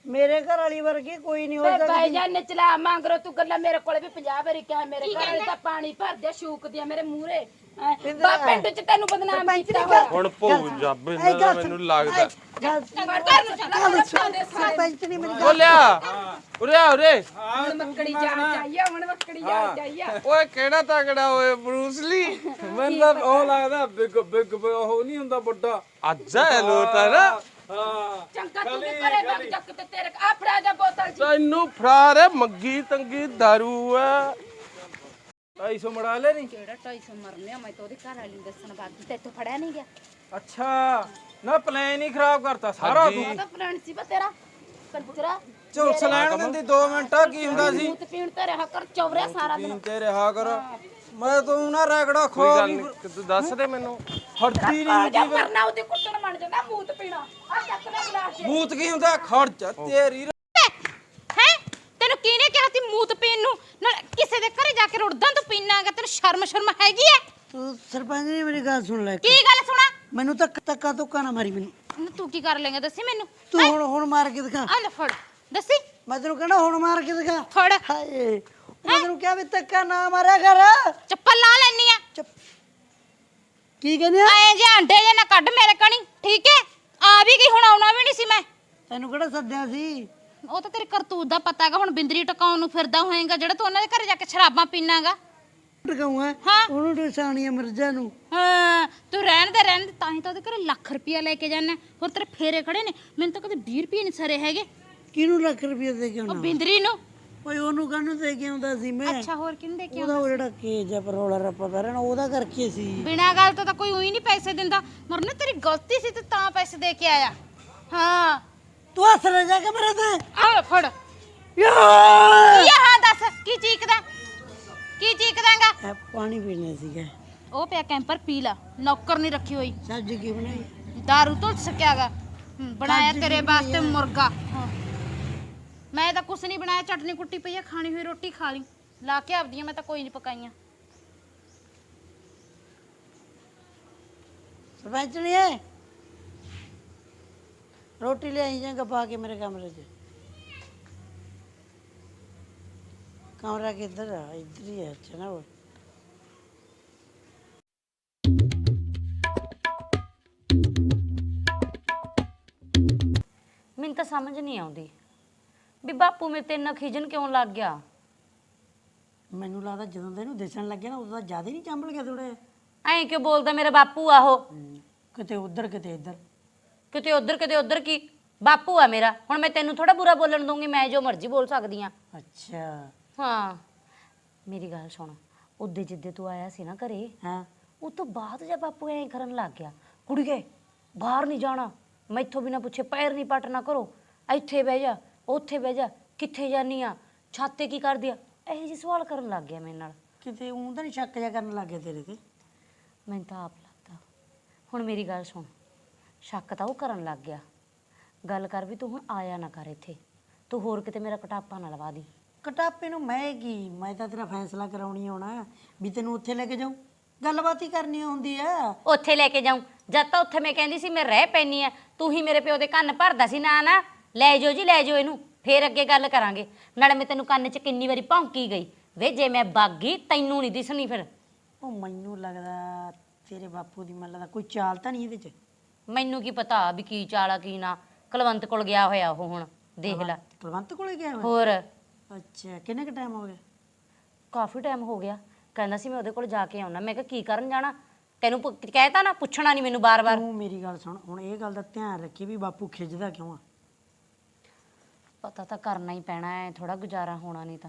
S3: ਮੇਰੇ ਘਰ ਵਾਲੀ ਵਰਗੀ ਕੋਈ ਨਹੀਂ ਹੋ
S1: ਵੇ
S3: ਸਕਦੀ।
S1: ਭਾਈ ਜਾਨ ਨਚਲਾ ਮੰਗਰੋ ਤੂੰ ਗੱਲਾਂ ਮੇਰੇ ਕੋਲੇ ਵੀ ਪੰਜਾਹ ਵਾਰੀ ਕਿਹਾ ਮੇਰੇ ਘਰ ਵਾਲੇ ਤਾਂ ਪਾਣੀ ਭਰਦੇ ਸ਼ੂਕ ਦੀਆਂ ਮੇਰੇ ਮੂਹਰੇ ਬਾ ਪਿੰਡ ਚ ਤੈਨੂੰ ਬਦਨਾਮ ਕੀਤਾ ਹੋਇਆ
S4: ਹੁਣ ਭੂ ਜੱਬ ਇਹਨਾਂ ਦਾ ਮੈਨੂੰ ਲੱਗਦਾ
S3: ਗੱਲ
S1: ਘਰ ਨੂੰ ਚੱਲਾ ਮੇਰੇ ਪਾਉਂਦੇ ਸਾਰੇ
S3: ਸਰਪੰਚ ਨਹੀਂ ਮੇਰੀ ਗੱਲ
S4: ਬੋਲਿਆ ਉਰੇ ਆ ਉਰੇ
S1: ਹੁਣ ਮੱਕੜੀ ਜਾਣ ਚਾਹੀਏ ਹੁਣ ਮੱਕੜੀ ਜਾਣ ਚਾਹੀਏ
S4: ਓਏ ਕਿਹੜਾ ਤਗੜਾ ਓਏ ਬਰੂਸਲੀ
S2: ਮੈਨੂੰ ਤਾਂ ਉਹ ਲੱਗਦਾ ਬਿਗ ਬਿਗ ਉਹ ਨਹੀਂ ਹੁੰਦਾ ਵੱਡਾ
S4: ਅੱਜ ਹੈ ਲੋਟਾ ਨਾ
S2: ਹਾਂ
S1: ਚੰਗਾ ਤੂੰ ਵੀ ਕਰੇ ਬਗ ਚੱਕ ਤੇ ਤੇਰੇ ਆ ਫੜਾ ਜਾ ਬੋਤਲ ਜੀ
S4: ਤੈਨੂੰ ਫਰਾਰ ਹੈ ਮੰਗੀ ਤੰਗੀ ਦਾਰੂ ਹੈ
S2: ਢਾਈ ਸੌ ਮੜਾ ਲੈ ਨਹੀਂ
S1: ਕਿਹੜਾ ਢਾਈ ਸੌ ਮਰਨੇ ਮੈਂ ਤਾਂ ਉਹਦੇ ਘਰ ਵਾਲੀ ਨੂੰ ਦੱਸਣ ਬਾਕੀ ਤੇ ਇੱਥੋਂ ਫੜਿਆ ਨਹੀਂ ਗਿਆ
S2: ਅੱਛਾ ਨਾ ਪਲਾਨ ਹੀ ਖਰਾਬ ਕਰਤਾ ਸਾਰਾ ਤੂੰ
S1: ਉਹ ਤਾਂ ਪਲਾਨ ਸੀ ਬਾ ਤੇਰਾ ਕੰਜਰਾ
S2: ਝੁਲਸ ਲੈਣ ਦਿੰਦੀ ਦੋ ਮਿੰਟਾਂ ਕੀ ਹੁੰਦਾ ਸੀ
S1: ਮੂਤ ਪੀਣ ਤੇ ਰਿਹਾ ਕਰ ਚੌਵਰਿਆ ਸਾਰਾ ਦਿਨ
S2: ਪੀਣ ਤੇ ਰਿਹਾ ਕਰ ਮੈਂ ਤੂੰ ਨਾ ਰਗੜਾ ਖੋ
S4: ਕੋਈ ਗੱਲ ਨਹੀਂ ਤੂੰ ਦੱਸ ਦੇ ਮੈਨੂੰ
S2: ਹੜਦੀ
S1: ਆ
S2: ਨਹੀਂ
S1: ਜਾ ਮਰਨਾ ਉਹਦੇ ਕੁੱਟਣ ਮੰਨ ਜਾਂਦਾ ਮੂਤ ਪੀਣਾ ਆ ਚੱਕ ਲੈ ਗਲਾਸ ਚ
S2: ਮੂਤ ਕੀ ਹੁੰਦਾ ਖਰਚ ਤੇਰੀ
S5: ਹੈ ਤੈਨੂੰ ਕਿਹਨੇ ਕਿਹਾ ਸੀ ਮੂਤ ਪੀਣ ਨੂੰ ਨਾਲ ਕਿਸੇ ਦੇ ਘਰੇ ਜਾ ਕੇ ਰੁੜਦਾਂ ਤੂੰ ਪੀਣਾਗਾ ਤੈਨੂੰ ਸ਼ਰਮ ਸ਼ਰਮ ਹੈਗੀ ਐ
S3: ਤੂੰ ਸਰਪੰਚ ਨੇ ਮੇਰੀ ਗੱਲ ਸੁਣ ਲੈ
S5: ਕੀ ਗੱਲ ਸੁਣਾ
S3: ਮੈਨੂੰ ਤਾਂ ਧੱਕਾ ਧੁੱਕਾ ਨਾ ਮਾਰੀ ਮੈਨੂੰ
S5: ਨਾ ਤੂੰ ਕੀ ਕਰ ਲੇਗਾ ਦੱਸੀ ਮੈਨੂੰ
S3: ਤੂੰ ਹੁਣ ਹੁਣ ਮਾਰ ਕੇ ਦਿਖਾ
S5: ਆ ਲੈ ਫੜ ਦੱਸੀ
S3: ਮੈਂ ਤੈਨੂੰ ਕਹਿਣਾ ਹੁਣ ਮਾਰ ਕੇ ਦਿਖਾ
S5: ਫੜ
S3: ਹਾਏ ਮੈਂ ਤੈਨੂੰ ਕਿਹਾ ਵੀ ਧੱਕਾ ਨਾ ਮਾਰਿਆ ਕਰ
S5: ਚੱਪਲ ਲਾ ਲੈਣੀ ਆ
S3: ਚੁੱਪ ਕੀ ਕਹਿੰਦੇ ਆ
S5: ਐ ਜੇ ਅੰਡੇ ਜੇ ਨਾ ਕੱਢ ਮੇਰੇ ਕਣੀ ਠੀਕ ਐ ਆ ਵੀ ਗਈ ਹੁਣ ਆਉਣਾ ਵੀ ਨਹੀਂ ਸੀ ਮੈਂ
S3: ਤੈਨੂੰ ਕਿਹੜਾ ਸੱਦਿਆ ਸੀ
S5: ਉਹ ਤਾਂ ਤੇਰੀ ਕਰਤੂਤ ਦਾ ਪਤਾ ਹੈਗਾ ਹੁਣ ਬਿੰਦਰੀ ਟਕਾਉਣ ਨੂੰ ਫਿਰਦਾ ਹੋਏਗਾ ਜਿਹੜਾ ਤੂੰ ਉਹਨਾਂ ਦੇ ਘਰੇ ਜਾ ਕੇ ਸ਼ਰਾਬਾਂ ਪੀਣਾਗਾ
S3: ਟਕਾਉਂਗਾ
S5: ਹਾਂ।
S3: ਉਹਨੂੰ ਟਸਾਣੀਆਂ ਮਿਰਜ਼ਾ ਨੂੰ
S5: ਹਾਂ ਤੂੰ ਰਹਿਣ ਦੇ ਰਹਿਣ ਦੇ ਤਾਂ ਹੀ ਤਾਂ ਉਹਦੇ ਘਰੇ ਲੱਖ ਰੁਪਇਆ ਲੈ ਕੇ ਜਾਣਾ ਹੋਰ ਤੇਰੇ ਫੇਰੇ ਖੜੇ ਨੇ ਮੈਨੂੰ ਤਾਂ ਕਦੇ ਵੀਹ ਰੁਪਏ ਨਹੀਂ ਸਰੇ ਹੈਗੇ
S3: ਕਿਹਨੂੰ ਲੱਖ ਰੁਪਏ ਦੇ ਕੇ
S5: ਉਹ
S3: ਆਉਣਾ
S5: ਬਿੰਦਰੀ ਨੂੰ
S3: ਓਏ ਉਹਨੂੰ ਕਾਹਨੂੰ ਦੇ ਕੇ ਆਉਂਦਾ ਸੀ ਮੈਂ
S5: ਅੱਛਾ ਹੋਰ ਕਿਹਨੂੰ ਦੇ ਕੇ
S3: ਉਹਦਾ ਉਹ ਜਿਹੜਾ ਕੇਜ ਆ ਪਰੋਲਾ ਰੱਪਾ ਪੈ ਰਹਿਣਾ ਉਹਦਾ ਕਰਕੇ ਸੀ
S5: ਬਿਨਾਂ ਗੱਲ ਤੋਂ ਤਾਂ ਕੋਈ ਉਹੀ ਨਹੀਂ ਪੈਸੇ ਦਿੰਦਾ ਮਰਨੇ ਤੇਰੀ ਗਲਤੀ ਸੀ ਤੇ ਤਾਂ ਪੈਸੇ ਦੇ ਕੇ ਆਇਆ ਹਾਂ
S3: ਤੂੰ ਹੱਸ ਰਿਹਾ ਜਾ ਕੇ ਮੇਰੇ ਤੇ
S5: ਆ ਫੜ
S3: ਯਾਰ
S5: ਇਹ ਹਾਂ ਦੱਸ ਕੀ ਚੀਕਦਾ ਕੀ ਚੀਕਦਾਂਗਾ
S3: ਇਹ ਪਾਣੀ ਪੀਣਾ ਸੀਗਾ
S5: ਉਹ ਪਿਆ ਕੈਂਪਰ ਪੀ ਲਾ ਨੌਕਰ ਨਹੀਂ ਰੱਖੀ ਹੋਈ
S3: ਸਬਜ਼ੀ ਕੀ ਬਣਾਈ
S5: ਦਾਰੂ ਤੋਂ ਸਕਿਆਗਾ ਬਣਾਇਆ ਤੇਰੇ ਵਾਸਤੇ ਮੁਰਗਾ ਹਾਂ। ਮੈਂ ਤਾਂ ਕੁਛ ਨਹੀਂ ਬਣਾਇਆ ਚਟਨੀ ਕੁੱਟੀ ਪਈ ਆ ਖਾਣੀ ਹੋਈ ਰੋਟੀ ਖਾ ਲਈ ਲਾ ਕੇ ਆਪਦੀਆਂ ਮੈਂ ਤਾਂ ਕੋਈ ਨਹੀਂ ਪਕਾਈਆਂ
S3: ਸਰਪੰਚ ਨਹੀਂ ਹੈ ਰੋਟੀ ਲੈ ਆਈ ਜਾਂਗਾ ਪਾ ਕੇ ਮੇਰੇ ਕਮਰੇ 'ਚ ਕਮਰਾ ਕਿੱਧਰ ਆ ਇੱਧਰ ਹੀ ਆ ਅੱਛਾ ਨਾ ਉਹ
S6: ਮੈਨੂੰ ਤਾਂ ਸਮਝ ਨਹੀਂ ਆਉਂਦੀ ਵੀ ਬਾਪੂ ਮੇਰੇ ਤੇ ਇੰਨਾ ਖਿਜਣ ਕਿਉਂ ਲੱਗ ਗਿਆ।
S3: ਮੈਨੂੰ ਲੱਗਦਾ ਜਦੋਂ ਦਾ ਇਹਨੂੰ ਦਿਸਣ ਲੱਗਿਆ ਨਾ ਉਦੋਂ ਦਾ ਜ਼ਿਆਦਾ ਨਹੀਂ ਚੰਬਲ ਗਿਆ ਥੋੜਾ
S6: ਐਂ ਕਿਉਂ ਬੋਲਦਾ ਮੇਰਾ ਬਾਪੂ ਆ ਉਹ
S3: ਕਿਤੇ ਉੱਧਰ ਕਿਤੇ ਇੱਧਰ
S6: ਕਿਤੇ ਉਧਰ ਕਿਤੇ ਉਧਰ ਕੀ ਬਾਪੂ ਆ ਮੇਰਾ ਹੁਣ ਮੈਂ ਤੈਨੂੰ ਥੋੜਾ ਬੁਰਾ ਬੋਲਣ ਦੂੰਗੀ ਮੈਂ ਜੋ ਮਰਜ਼ੀ ਬੋਲ ਸਕਦੀ ਆ।
S3: ਅੱਛਾ
S6: ਹਾਂ ਮੇਰੀ ਗੱਲ ਸੁਣ ਉਦੇ ਜਿੱਦੇ ਤੂੰ ਆਇਆ ਸੀ ਨਾ ਘਰੇ
S3: ਹਾਂ
S6: ਉਹ ਤੋਂ ਬਾਅਦ ਜੇ ਬਾਪੂ ਐਂ ਕਰਨ ਲੱਗ ਗਿਆ ਕੁੜੀਏ ਬਾਹਰ ਨਹੀਂ ਜਾਣਾ ਮੈਥੋਂ ਬਿਨਾ ਪੁੱਛੇ ਪੈਰ ਨਹੀਂ ਪਟਣਾ ਕਰੋ ਇੱਥੇ ਬਹਿ ਜਾ ਉੱਥੇ ਬਹਿ ਜਾ ਕਿੱਥੇ ਜਾਨੀ ਆ ਛਾਤੇ ਕੀ ਕਰਦੀ ਆ ਇਹੋ ਜਿਹੇ ਸਵਾਲ ਕਰਨ ਲੱਗ ਗਿਆ ਮੇਰੇ ਨਾਲ।
S3: ਕਿਤੇ ਉਹ ਤਾਂ ਨਹੀਂ ਸ਼ੱਕ ਜਿਹਾ ਕਰਨ ਲੱਗ ਗਿਆ ਤੇਰੇ ਤੇ
S6: ਮੈਨੂੰ ਤਾਂ ਆਪ ਲੱਗਦਾ ਹੁਣ ਮੇਰੀ ਗੱਲ ਸੁਣ ਸ਼ੱਕ ਤਾਂ ਉਹ ਕਰਨ ਲੱਗ ਗਿਆ ਗੱਲ ਕਰ ਵੀ ਤੂੰ ਹੁਣ ਆਇਆ ਨਾ ਕਰ ਇੱਥੇ ਤੂੰ ਹੋਰ ਕਿਤੇ ਮੇਰਾ ਕਟਾਪਾ ਨਾ ਲਵਾ ਦੀ।
S3: ਕਟਾਪੇ ਨੂੰ ਮੈਂ ਕੀ ਮੈਂ ਤਾਂ ਤੇਰਾ ਫੈਸਲਾ ਕਰਾਉਣੀ ਆਉਣਾ ਵੀ ਤੈਨੂੰ ਉੱਥੇ ਲੈ ਕੇ ਜਾਊਂ ਗੱਲਬਾਤ ਹੀ ਕਰਨੀ ਹੁੰਦੀ ਆ
S6: ਉੱਥੇ ਲੈ ਕੇ ਜਾਊਂ ਜਦ ਤਾਂ ਉੱਥੇ ਮੈਂ ਕਹਿੰਦੀ ਸੀ ਮੈਂ ਰਹਿ ਪੈਣੀ ਆ ਤੂੰ ਹੀ ਮੇਰੇ ਪਿਓ ਦੇ ਕੰਨ ਭਰਦਾ ਸੀ ਨਾ ਨਾ ਲੈ ਜਾਓ ਜੀ ਲੈ ਜਾਓ ਇਹਨੂੰ ਫੇਰ ਅੱਗੇ ਗੱਲ ਕਰਾਂਗੇ ਨਾਲੇ ਮੈਂ ਤੈਨੂੰ ਕੰਨ 'ਚ ਕਿੰਨੀ ਵਾਰੀ ਭੌਂਕੀ ਗਈ ਵੇ ਜੇ ਮੈਂ ਬਾਗੀ ਤੈਨੂੰ ਨਹੀਂ ਦਿਸਣੀ ਫਿਰ।
S3: ਉਹ ਮੈਨੂੰ ਲੱਗਦਾ ਤੇਰੇ ਬਾਪੂ ਦੀ ਮੱਲਾ ਦਾ ਕੋਈ ਚਾਲ ਤਾਂ ਨਹੀਂ ਇਹਦੇ 'ਚ
S6: ਮੈਨੂੰ ਕੀ ਪਤਾ ਵੀ ਕੀ ਚਾਲਾ ਕੀ ਨਾ ਕੁਲਵੰਤ ਕੋਲ ਗਿਆ ਹੋਇਆ ਉਹ ਹੁਣ ਦੇਖ ਲੈ
S3: ਕੁਲਵੰਤ ਕੋਲੇ ਗਿਆ ਹੋਇਆ
S6: ਹੋਰ
S3: ਅੱਛਾ ਕਿੰਨੇ ਕ ਟਾਈਮ ਹੋ ਗਿਆ
S6: ਕਾਫੀ ਟਾਈਮ ਹੋ ਗਿਆ ਕਹਿੰਦਾ ਸੀ ਮੈਂ ਉਹਦੇ ਕੋਲ ਜਾ ਕੇ ਆਉਣਾ ਮੈਂ ਕਿਹਾ ਕੀ ਕਰਨ ਜਾਣਾ ਤੈਨੂੰ ਕਹਿਤਾ ਨਾ ਪੁੱਛਣਾ ਨਹੀਂ ਮੈਨੂੰ ਬਾਰ-ਬਾਰ।
S3: ਤੂੰ ਮੇਰੀ ਗੱਲ ਸੁਣ ਹੁਣ ਇਹ ਗੱਲ ਦਾ ਧਿਆਨ ਰੱਖੀ ਵੀ ਬਾਪੂ ਖਿੱਚਦਾ ਕਿਉਂ ਆ
S6: ਪਤਾ ਤਾਂ ਕਰਨਾ ਹੀ ਪੈਣਾ ਹੈ ਥੋੜਾ ਗੁਜ਼ਾਰਾ ਹੋਣਾ ਨਹੀਂ ਤਾਂ।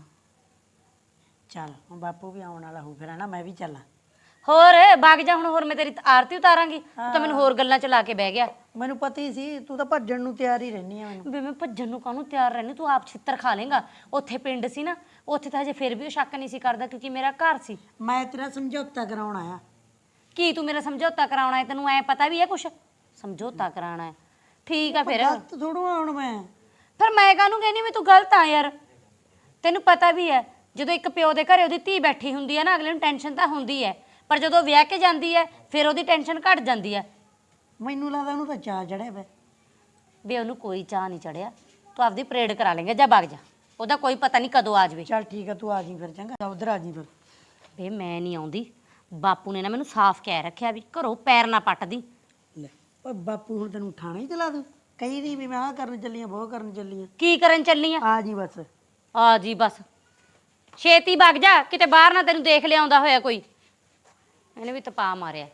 S3: ਚੱਲ ਹੁਣ ਬਾਪੂ ਵੀ ਆਉਣ ਵਾਲਾ ਹੋ ਫਿਰ ਹਨਾ ਮੈਂ ਵੀ ਚੱਲਾਂ
S6: ਹੋਰ ਵਗ ਜਾ ਹੁਣ ਹੋਰ ਮੈਂ ਤੇਰੀ ਆਰਤੀ ਉਤਾਰਾਂਗੀ ਤੂੰ ਤਾਂ ਮੈਨੂੰ ਹੋਰ ਗੱਲਾਂ ਚ ਲਾ ਕੇ ਬਹਿ ਗਿਆ।
S3: ਮੈਨੂੰ ਪਤਾ ਹੀ ਸੀ ਤੂੰ ਤਾਂ ਭੱਜਣ ਨੂੰ ਤਿਆਰ ਹੀ ਰਹਿਨੀ ਆ ਮੈਨੂੰ
S6: ਵੀ ਮੈਂ ਭੱਜਣ ਨੂੰ ਕਾਹਨੂੰ ਤਿਆਰ ਰਹਿਣੀ ਤੂੰ ਆਪ ਛਿੱਤਰ ਖਾ ਲੇਗਾ। ਉੱਥੇ ਪਿੰਡ ਸੀ ਨਾ ਉੱਥੇ ਤਾਂ ਹਜੇ ਫਿਰ ਵੀ ਉਹ ਸ਼ੱਕ ਨਹੀਂ ਸੀ ਕਰਦਾ ਕਿਉਂਕਿ ਮੇਰਾ ਘਰ ਸੀ।
S3: ਮੈਂ ਤੇਰਾ ਸਮਝੌਤਾ ਕਰਾਉਣ ਆਇਆ
S6: ਕੀ ਤੂੰ ਮੇਰਾ ਸਮਝੌਤਾ ਕਰਾਉਣਾ ਹੈ ਤੈਨੂੰ ਐ ਪਤਾ ਵੀ ਹੈ ਕੁਛ ਸਮਝੌਤਾ ਕਰਾਉਣਾ ਹੈ ਠੀਕ ਆ ਫਿਰ
S3: ਗਲਤ ਥੋੜੂ ਆਉਣ ਮੈਂ
S6: ਫਿਰ ਮੈਂ ਕਾਹਨੂੰ ਕਹਿੰਦੀ ਵੀ ਤੂੰ ਗਲਤ ਆ ਯਾਰ ਤੈਨੂੰ ਪਤਾ ਵੀ ਹੈ ਜਦੋਂ ਇੱਕ ਪਿਓ ਦੇ ਘਰੇ ਉਹਦੀ ਧੀ ਬੈਠੀ ਹੁੰਦੀ ਹੈ ਨਾ ਅਗਲੇ ਨੂੰ ਟੈਨਸ਼ਨ ਤਾਂ ਹੁੰਦੀ ਹੈ ਪਰ ਜਦੋਂ ਵਿਆਹ ਕੇ ਜਾਂਦੀ ਹੈ ਫਿਰ ਉਹਦੀ ਟੈਨਸ਼ਨ ਘਟ ਜਾਂਦੀ ਹੈ।
S3: ਮੈਨੂੰ ਲੱਗਦਾ ਉਹਨੂੰ ਤਾਂ ਚਾਅ ਚੜਿਆ ਪਿਆ
S6: ਵੀ ਉਹਨੂੰ ਕੋਈ ਚਾਹ ਨਹੀਂ ਚੜਿਆ ਤੂੰ ਆਪਦੀ ਪਰੇਡ ਕਰਾ ਲੇਂਗਾ ਜਾਂ ਵਗ ਜਾ, ਉਹਦਾ ਕੋਈ ਪਤਾ ਨਹੀਂ ਕਦੋਂ ਆ ਜਾਵੇ।
S3: ਚੱਲ ਠੀਕ ਆ ਤੂੰ ਆ ਜੀ ਫਿਰ ਚੰਗਾ ਉਧਰ ਆ ਜੀ ਫਿਰ।
S6: ਵੇ ਮੈਂ ਨਹੀਂ ਆਉਂਦੀ, ਬਾਪੂ ਨੇ ਨਾ ਮੈਨੂੰ ਸਾਫ਼ ਕਹਿ ਰੱਖਿਆ ਵੀ ਘਰੋਂ ਪੈਰ ਨਾ ਪੱਟਦੀ।
S3: ਲੈ ਓਏ ਬਾਪੂ ਹੁਣ ਤੈਨੂੰ ਠਾਣਾ ਹੀ ਚਲਾ ਦੂੰ, ਕਹੀ ਨਹੀਂ ਵੀ ਮੈਂ ਆਹ ਕਰਨ ਚੱਲੀ ਆ ਬਹੁਤ ਕਰਨ ਚੱਲੀ ਆ।
S6: ਕੀ ਕਰਨ ਚੱਲੀ ਆ?
S3: ਆ ਜੀ ਬਸ।
S6: ਆ ਜੀ ਬਸ, ਛੇਤੀ ਵਗ ਜਾ, ਕਿਤੇ ਬਾਹਰ ਨਾ ਤੈਨੂੰ ਦੇਖ ਲਿਆਉਂਦਾ ਹੋਇਆ ਕੋਈ। ਇਹਨੇ ਵੀ ਤਪਾ ਮਾਰਿਆ।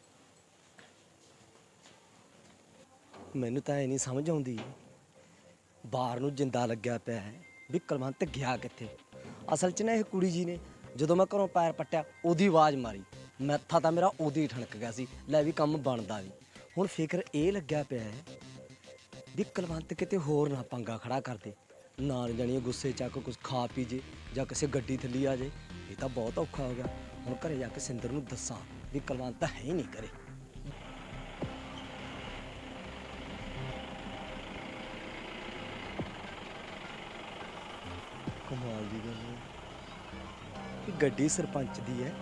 S7: ਮੈਨੂੰ ਤਾਂ ਇਹ ਨਹੀਂ ਸਮਝ ਆਉਂਦੀ, ਬਾਹਰ ਨੂੰ ਜਿੰਦਾ ਲੱਗਿਆ ਪਿਆ ਹੈ ਵੀ ਕੁਲਵੰਤ ਗਿਆ ਕਿੱਥੇ। ਅਸਲ 'ਚ ਨਾ ਇਹ ਕੁੜੀ ਜੀ ਨੇ ਜਦੋਂ ਮੈਂ ਘਰੋਂ ਪੈਰ ਪੱਟਿਆ ਉਹਦੀ ਆਵਾਜ਼ ਮਾਰੀ, ਮੱਥਾ ਤਾਂ ਮੇਰਾ ਉਹਦੀ ਹੀ ਠਣਕ ਗਿਆ ਸੀ, ਲੈ ਵੀ ਕੰਮ ਬਣਦਾ ਵੀ। ਹੁਣ ਫਿਕਰ ਇਹ ਲੱਗਿਆ ਪਿਆ ਹੈ ਵੀ ਕੁਲਵੰਤ ਕਿਤੇ ਹੋਰ ਨਾ ਪੰਗਾ ਖੜਾ ਕਰਦੇ, ਨਾ ਜਾਣੀ ਗੁੱਸੇ ਚੱਕ ਕੁਝ ਖਾ ਪੀ ਜੇ ਜਾਂ ਕਿਸੇ ਗੱਡੀ ਥੱਲੇ ਆ ਜੇ। ਇਹ ਤਾਂ ਬਹੁਤ ਔਖਾ ਹੋ ਗਿਆ। ਹੁਣ ਘਰੇ ਜਾ ਕੇ ਸਿੰਦਰ ਨੂੰ ਦੱਸਾਂ ਵੀ ਕੁਲਵੰਤ ਹੈ ਹੀ ਨਹੀਂ ਕਰੇ। ਕਮਾਲ ਦੀ ਗੱਲ ਹੈ, ਇਹ ਗੱਡੀ ਸਰਪੰਚ ਦੀ ਹੈ।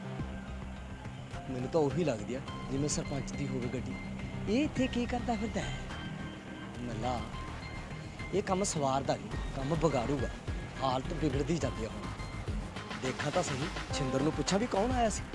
S7: ਮੈਨੂੰ ਤਾਂ ਉਹੀ ਲੱਗਦੀ ਆ ਜਿਵੇਂ ਸਰਪੰਚ ਦੀ ਹੋਵੇ ਗੱਡੀ। ਇਹ ਇੱਥੇ ਕੀ ਕਰਦਾ ਫਿਰਦਾ ਹੈ? ਮੱਲਾ ਇਹ ਕੰਮ ਸਵਾਰਦਾ ਨਹੀਂ, ਕੰਮ ਵਿਗਾੜੂਗਾ। ਹਾਲਤ ਵਿਗੜਦੀ ਜਾਂਦੀ ਆ। ਹੁਣ ਦੇਖਾਂ ਤਾਂ ਸਹੀ, ਛਿੰਦਰ ਨੂੰ ਪੁੱਛਾਂ ਵੀ ਕੌਣ ਆਇਆ ਸੀ।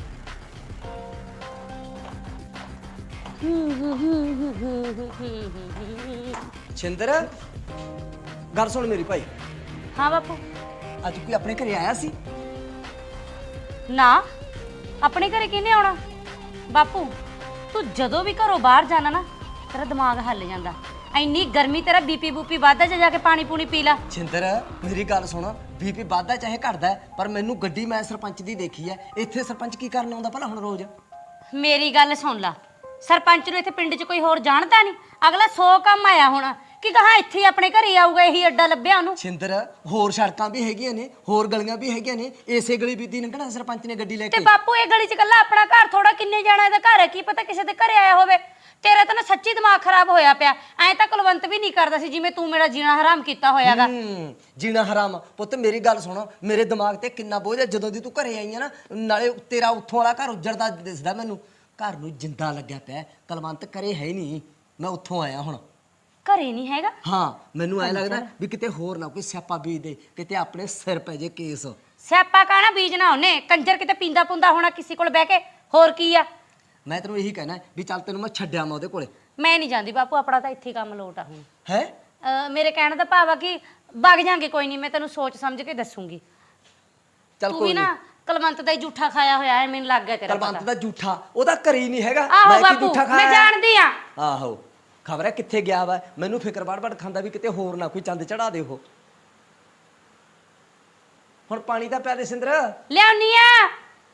S7: ਛਿੰਦਰ ਗੱਲ ਸੁਣ ਮੇਰੀ ਭਾਈ,
S6: ਹਾਂ ਬਾਪੂ।
S7: ਅੱਜ ਕੋਈ ਆਪਣੇ ਘਰੇ ਆਇਆ ਸੀ?
S6: ਨਾ, ਆਪਣੇ ਘਰੇ ਕਿਹਨੇ ਆਉਣਾ? ਬਾਪੂ ਤੂੰ ਜਦੋਂ ਵੀ ਘਰੋਂ ਬਾਹਰ ਜਾਣਾ ਨਾ ਤੇਰਾ ਦਿਮਾਗ ਹੱਲ ਜਾਂਦਾ। ਇੰਨੀ ਗਰਮੀ, ਤੇਰਾ ਬੀਪੀ ਬੂਪੀ ਵੱਧਦਾ, ਜਾ ਜਾ ਕੇ ਪਾਣੀ ਪੂਣੀ ਪੀ ਲੈ।
S7: ਛਿੰਦਰ ਮੇਰੀ ਗੱਲ ਸੁਣ, ਬੀਪੀ ਵੱਧਦਾ ਚਾਹੇ ਘਟਦਾ ਹੈ, ਪਰ ਮੈਨੂੰ ਗੱਡੀ ਮੈਂ ਸਰਪੰਚ ਦੀ ਦੇਖੀ ਹੈ। ਇੱਥੇ ਸਰਪੰਚ ਕੀ ਕਰਨ ਆਉਂਦਾ ਭਲਾ ਹੁਣ ਰੋਜ਼?
S6: ਮੇਰੀ ਗੱਲ ਸੁਣ ਲਾ, ਸਰਪੰਚ ਨੂੰ ਇੱਥੇ ਪਿੰਡ 'ਚ ਕੋਈ ਹੋਰ ਜਾਣਦਾ ਨਹੀਂ। ਅਗਲਾ ਸੌ ਕੰਮ ਆਇਆ ਹੋਣਾ ਕਿ ਕਹਾਂ ਇੱਥੇ ਹੀ ਆਪਣੇ ਘਰੇ ਆਊਗਾ, ਇਹੀ ਅੱਡਾ ਲੱਭਿਆ ਉਹਨੂੰ।
S7: ਛਿੰਦਰ ਹੋਰ ਸੜਕਾਂ ਵੀ ਹੈਗੀਆਂ ਨੇ, ਹੋਰ ਗਲੀਆਂ ਵੀ ਹੈਗੀਆਂ ਨੇ, ਇਸੇ ਗਲੀ ਬੀਤੀ ਲੰਘਣਾ ਸਰਪੰਚ ਨੇ ਗੱਡੀ ਲੈ
S6: ਤੇ
S7: ਕੇ।
S6: ਬਾਪੂ ਇਹ ਗਲੀ 'ਚ ਇਕੱਲਾ ਆਪਣਾ ਘਰ ਥੋੜਾ, ਕਿੰਨੇ ਜਾਣਾ ਇਹਦਾ ਘਰ ਹੈ, ਕੀ ਪਤਾ ਕਿਸੇ ਦੇ ਘਰੇ ਆਇਆ ਹੋਵੇ। ਤੇਰਾ ਤਾਂ ਨਾ ਸੱਚੀ ਦਿਮਾਗ ਖਰਾਬ ਹੋਇਆ ਪਿਆ। ਐਂ ਤਾਂ ਕੁਲਵੰਤ ਵੀ ਨਹੀਂ ਕਰਦਾ ਸੀ ਜਿਵੇਂ ਤੂੰ ਮੇਰਾ ਜੀਣਾ ਹਰਾਮ ਕੀਤਾ ਹੋਇਆਗਾ।
S7: ਹੂੰ, ਜੀਣਾ ਹਰਾਮ। ਪੁੱਤ ਮੇਰੀ ਗੱਲ ਸੁਣ, ਮੇਰੇ ਦਿਮਾਗ ਤੇ ਕਿੰਨਾ ਬੋਝ ਹੈ ਜਦੋਂ ਦੀ ਤੂੰ ਘਰੇ ਆਈ ਆ ਨਾ। ਨਾਲੇ ਤੇਰਾ ਉੱਥੋਂ ਵਾਲਾ ਘਰ ਉੱਜੜਦਾ ਦਿਸਦਾ ਮੈਨੂੰ, ਘਰ ਨੂੰ ਜਿੰਦਾ ਲੱਗਿਆ ਪਿਆ। ਕੁਲਵੰਤ ਘਰੇ ਹੈ ਹੀ ਨਹੀਂ, ਮੈਂ ਉੱਥੋਂ ਆਇਆ ਹੁਣ।
S6: ਘਰੇ ਨਹੀਂ ਹੈਗਾ?
S7: ਹਾਂ, ਮੈਨੂੰ ਐ ਲੱਗਦਾ ਵੀ ਕਿਤੇ ਹੋਰ ਨਾ ਕੋਈ ਸਿਆਪਾ ਬੀਜ ਦੇ, ਕਿਤੇ ਆਪਣੇ ਸਿਰ ਪੈ ਜੇ ਕੇਸ।
S6: ਸਿਆਪਾ ਕਾਣਾ ਬੀਜਣਾ ਉਹਨੇ, ਕੰਜਰ ਕਿਤੇ ਪੀਂਦਾ ਪੁੰਦਾ ਹੋਣਾ ਕਿਸੇ ਕੋਲ ਬਹਿ ਕੇ, ਹੋਰ ਕੀ ਆ।
S7: ਮੈਂ ਤੈਨੂੰ ਇਹੀ ਕਹਿਣਾ ਵੀ ਚੱਲ ਤੈਨੂੰ ਮੈਂ ਛੱਡਿਆ ਮੈਂ ਉਹਦੇ ਕੋਲੇ।
S6: ਮੈਂ ਨਹੀਂ ਜਾਂਦੀ ਬਾਪੂ, ਆਪਣਾ ਤਾਂ ਇੱਥੇ ਹੀ ਕੰਮ ਲੋਟ ਆ ਹੁਣ।
S7: ਹੈ
S6: ਅਹ ਮੇਰੇ ਕਹਿਣ ਦਾ ਭਾਵ ਆ ਕਿ ਵਗ ਜਾਾਂਗੇ, ਕੋਈ ਨਹੀਂ, ਮੈਂ ਤੈਨੂੰ ਸੋਚ ਸਮਝ ਕੇ ਦੱਸੂਗੀ।
S7: ਚੱਲ
S6: ਤੂੰ
S7: ਕੋਈ
S6: ਵੀ
S7: ਨਹੀਂ।
S6: ਨਾ ਕੁਲਵੰਤ ਦਾ ਹੀ ਝੂਠਾ ਖਾਇਆ ਹੋਇਆ ਹੈ, ਮੈਨੂੰ ਲੱਗ ਗਿਆ ਤੇਰਾ
S7: ਕੁਲਵੰਤ
S6: ਪਤਾ।
S7: ਦਾ ਝੂਠਾ ਉਹਦਾ ਘਰੇ ਹੀ ਨਹੀਂ ਹੈਗਾ।
S6: ਆਹੋ
S7: ਮੈਂ ਕੀ
S6: ਬਾਪੂ,
S7: ਝੂਠਾ
S6: ਮੈਂ
S7: ਖਾਇਆ?
S6: ਜਾਣਦੀ ਆ।
S7: ਆਹੋ, ਖਬਰ ਹੈ ਕਿੱਥੇ ਗਿਆ ਵਾ। ਮੈਨੂੰ ਫਿਕਰ ਵੜ-ਵੜ ਖਾਂਦਾ ਵੀ ਕਿਤੇ ਹੋਰ ਨਾ ਕੋਈ ਚੰਦ ਚੜਾ ਦੇ ਉਹ। ਹੁਣ ਪਾਣੀ ਤਾਂ ਪਿਆ ਦੇ ਸਿੰਦਰ।
S6: ਲਿਆਉਣੀ ਆ।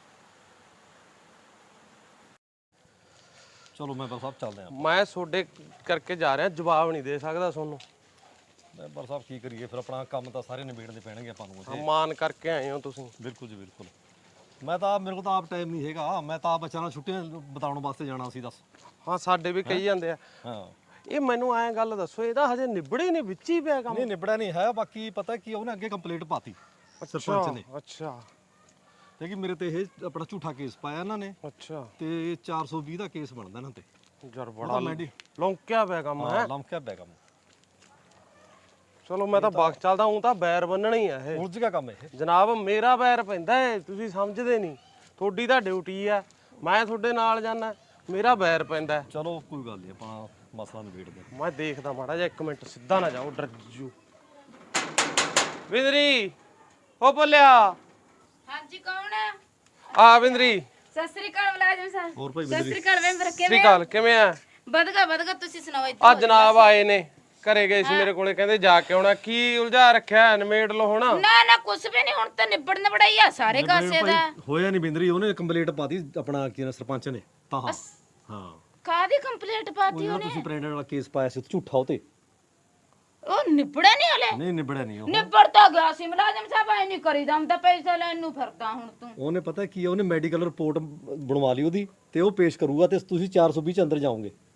S8: ਚਲੋ ਮੈਂਬਰ ਸਾਹਿਬ ਚੱਲਦੇ ਆਂ।
S4: ਮੈਂ ਤੁਹਾਡੇ ਕਰਕੇ ਜਾ ਰਿਹਾ, ਜਵਾਬ ਨਹੀਂ ਦੇ ਸਕਦਾ ਤੁਹਾਨੂੰ।
S8: ਮੈਂਬਰ ਸਾਹਿਬ ਕੀ ਕਰੀਏ ਫਿਰ, ਆਪਣਾ ਕੰਮ ਤਾਂ ਸਾਰੇ ਨਿਬੇੜਨੇ ਪੈਣਗੇ ਆਪਾਂ ਨੂੰ ਉੱਥੇ।
S4: ਮਾਨ ਕਰਕੇ ਆਏ ਹੋ ਤੁਸੀਂ।
S8: ਬਿਲਕੁਲ ਜੀ ਬਿਲਕੁਲ। ਮੈਂ ਤਾਂ ਮੇਰੇ ਕੋਲ ਤਾਂ ਆਪ ਟਾਈਮ ਨਹੀਂ ਹੈਗਾ, ਮੈਂ ਤਾਂ ਆਪ ਬੱਚਿਆਂ ਨਾਲ ਛੁੱਟੀਆਂ ਬਿਤਾਉਣ ਵਾਸਤੇ ਜਾਣਾ ਸੀ। ਦੱਸ।
S4: ਹਾਂ, ਸਾਡੇ ਵੀ ਕਹੀ ਜਾਂਦੇ ਆ।
S8: ਹਾਂ,
S4: ਇਹ ਮੈਨੂੰ ਐਂ ਗੱਲ ਦੱਸੋ, ਇਹਦਾ ਹਜੇ ਨਿਬੜੇ ਨਹੀਂ, ਵਿੱਚ ਹੀ ਪਿਆ ਕੰਮ?
S8: ਨਹੀਂ ਨਿਬੜਿਆ ਨਹੀਂ ਹੈ। ਬਾਕੀ ਪਤਾ ਕੀ ਉਹਨੇ ਅੱਗੇ ਕੰਪਲੀਟ ਪਾਤੀ ਸਰਪੰਚ ਨੇ,
S4: ਅੱਛਾ
S8: ਤੇ ਕਿ ਮੇਰੇ ਤੇ ਇਹ ਆਪਣਾ ਝੂਠਾ ਕੇਸ ਪਾਇਆ ਇਹਨਾਂ ਨੇ,
S4: ਅੱਛਾ।
S8: ਤੇ ਚਾਰ ਸੌ ਵੀਹ ਦਾ ਕੇਸ ਬਣਦਾ ਇਹਨਾਂ ਤੇ।
S4: ਯਾਰ
S8: ਉਹਦਾ
S4: ਬੜਾ
S8: ਮੈਡੀ-
S4: ਲੌਂਕਿਆ ਪਿਆ ਕੰਮ ਹੈ।
S8: ਹਾਂ, ਲੰਮਕਿਆ ਪਿਆ ਕੰਮ।
S4: ਚਲੋ ਮੈਂ ਤਾਂ ਬਾਗ ਚੱਲਦਾ ਹੂੰ, ਤਾਂ ਬੈਰ ਬੰਨਣਾ ਹੀ ਆ ਇਹ।
S8: ਉਲਝ ਗਿਆ ਕੰਮ ਇਹ।
S4: ਜਨਾਬ ਮੇਰਾ ਬੈਰ ਪੈਂਦਾ ਏ, ਤੁਸੀਂ ਸਮਝਦੇ ਨਹੀਂ। ਤੁਹਾਡੀ ਤਾਂ ਡਿਊਟੀ ਆ, ਮੈਂ ਤੁਹਾਡੇ ਨਾਲ ਜਾਣਾ, ਮੇਰਾ ਬੈਰ ਪੈਂਦਾ।
S8: ਚਲੋ ਕੋਈ ਗੱਲ ਨਹੀਂ, ਆਪਾਂ ਮਸਲਾ ਨਿਬੇੜਦੇ ਆਂ।
S4: ਮੈਂ ਦੇਖਦਾ ਮਾੜਾ ਜਿਹਾ, ਇੱਕ ਮਿੰਟ ਸਿੱਧਾ ਨਾ ਜਾਓ, ਡਰ ਜੂ। ਵਿੰਦਰੀ ਉਹ ਬੋਲਿਆ।
S1: ਹਾਂਜੀ ਕੌਣ ਹੈ?
S4: ਆ ਵਿੰਦਰੀ।
S1: ਸਤਿ ਸ੍ਰੀ ਅਕਾਲ ਮੁਲਾਜ਼ਮ ਸਾਹਿਬ।
S8: ਹੋਰ ਭਾਈ
S1: ਸਤਿ ਸ੍ਰੀ ਅਕਾਲ ਮੈਂਬਰ,
S4: ਸ੍ਰੀ
S1: ਕਿਵੇਂ
S4: ਅਕਾਲ, ਕਿਵੇਂ ਆ?
S1: ਵਧਗਾ ਵਧਗਾ, ਤੁਸੀਂ ਸੁਣਾਓ।
S4: ਆ ਜਨਾਬ ਆਏ ਨੇ, ਘਰੇ ਗਏ ਸੀ ਮੇਰੇ ਕੋਲੇ, ਕਹਿੰਦੇ ਜਾ ਕੇ ਆਉਣਾ। ਕੀ ਉਲਝਾ ਰੱਖਿਆ, ਨਿਮੇੜ ਲੋ ਹੁਣ।
S1: ਨਾ ਨਾ ਕੁਛ ਵੀ ਨਹੀਂ, ਹੁਣ ਤਾਂ ਨਿਬੜ ਨਿਬੜਾਈ ਆ ਸਾਰੇ ਕਾਸੇ ਦਾ।
S8: ਹੋਇਆ ਨਹੀਂ ਬਿੰਦਰੀ, ਉਹਨੇ ਕੰਪਲੀਟ ਪਾਤੀ ਆਪਣਾ ਕੀ ਨਾ ਸਰਪੰਚ ਨੇ ਤਾਂ। ਹਾਂ ਹਾਂ,
S1: ਕਾਦੀ ਕੰਪਲੀਟ ਪਾਤੀ
S8: ਉਹ
S1: ਉਹਨੇ?
S8: ਤੁਸੀਂ ਪ੍ਰੈਗਨੈਂਟ ਵਾਲਾ ਕੇਸ ਪਾਇਆ ਸੀ ਝੂਠਾ ਉਹ ਤੇ।
S1: ਉਹ ਨਿਬੜਿਆ ਨਹੀਂ ਹਲੇ?
S8: ਨਹੀਂ ਨਿਬੜਿਆ ਨਹੀਂ ਉਹ।
S1: ਨਿਬੜ ਤਾਂ ਗਿਆ ਸੀ ਮੁਲਾਜ਼ਮ ਸਾਹਿਬ, ਐ ਨਹੀਂ ਕਰੀਦਾ ਹੁੰਦਾ, ਪੈਸੇ ਲੈਣ ਨੂੰ ਫਿਰਦਾ ਹੁਣ ਤੂੰ।
S8: ਉਹਨੇ ਪਤਾ ਕੀ ਆ, ਉਹਨੇ ਮੈਡੀਕਲ ਰਿਪੋਰਟ ਬਣਵਾ ਲਈ ਉਹਦੀ, ਤੇ ਉਹ ਪੇਸ਼ ਕਰੂਗਾ, ਤੇ ਤੁਸੀਂ ਚਾਰ ਸੌ ਵੀਹ ਚ ਅੰਦਰ ਜਾਓਗੇ।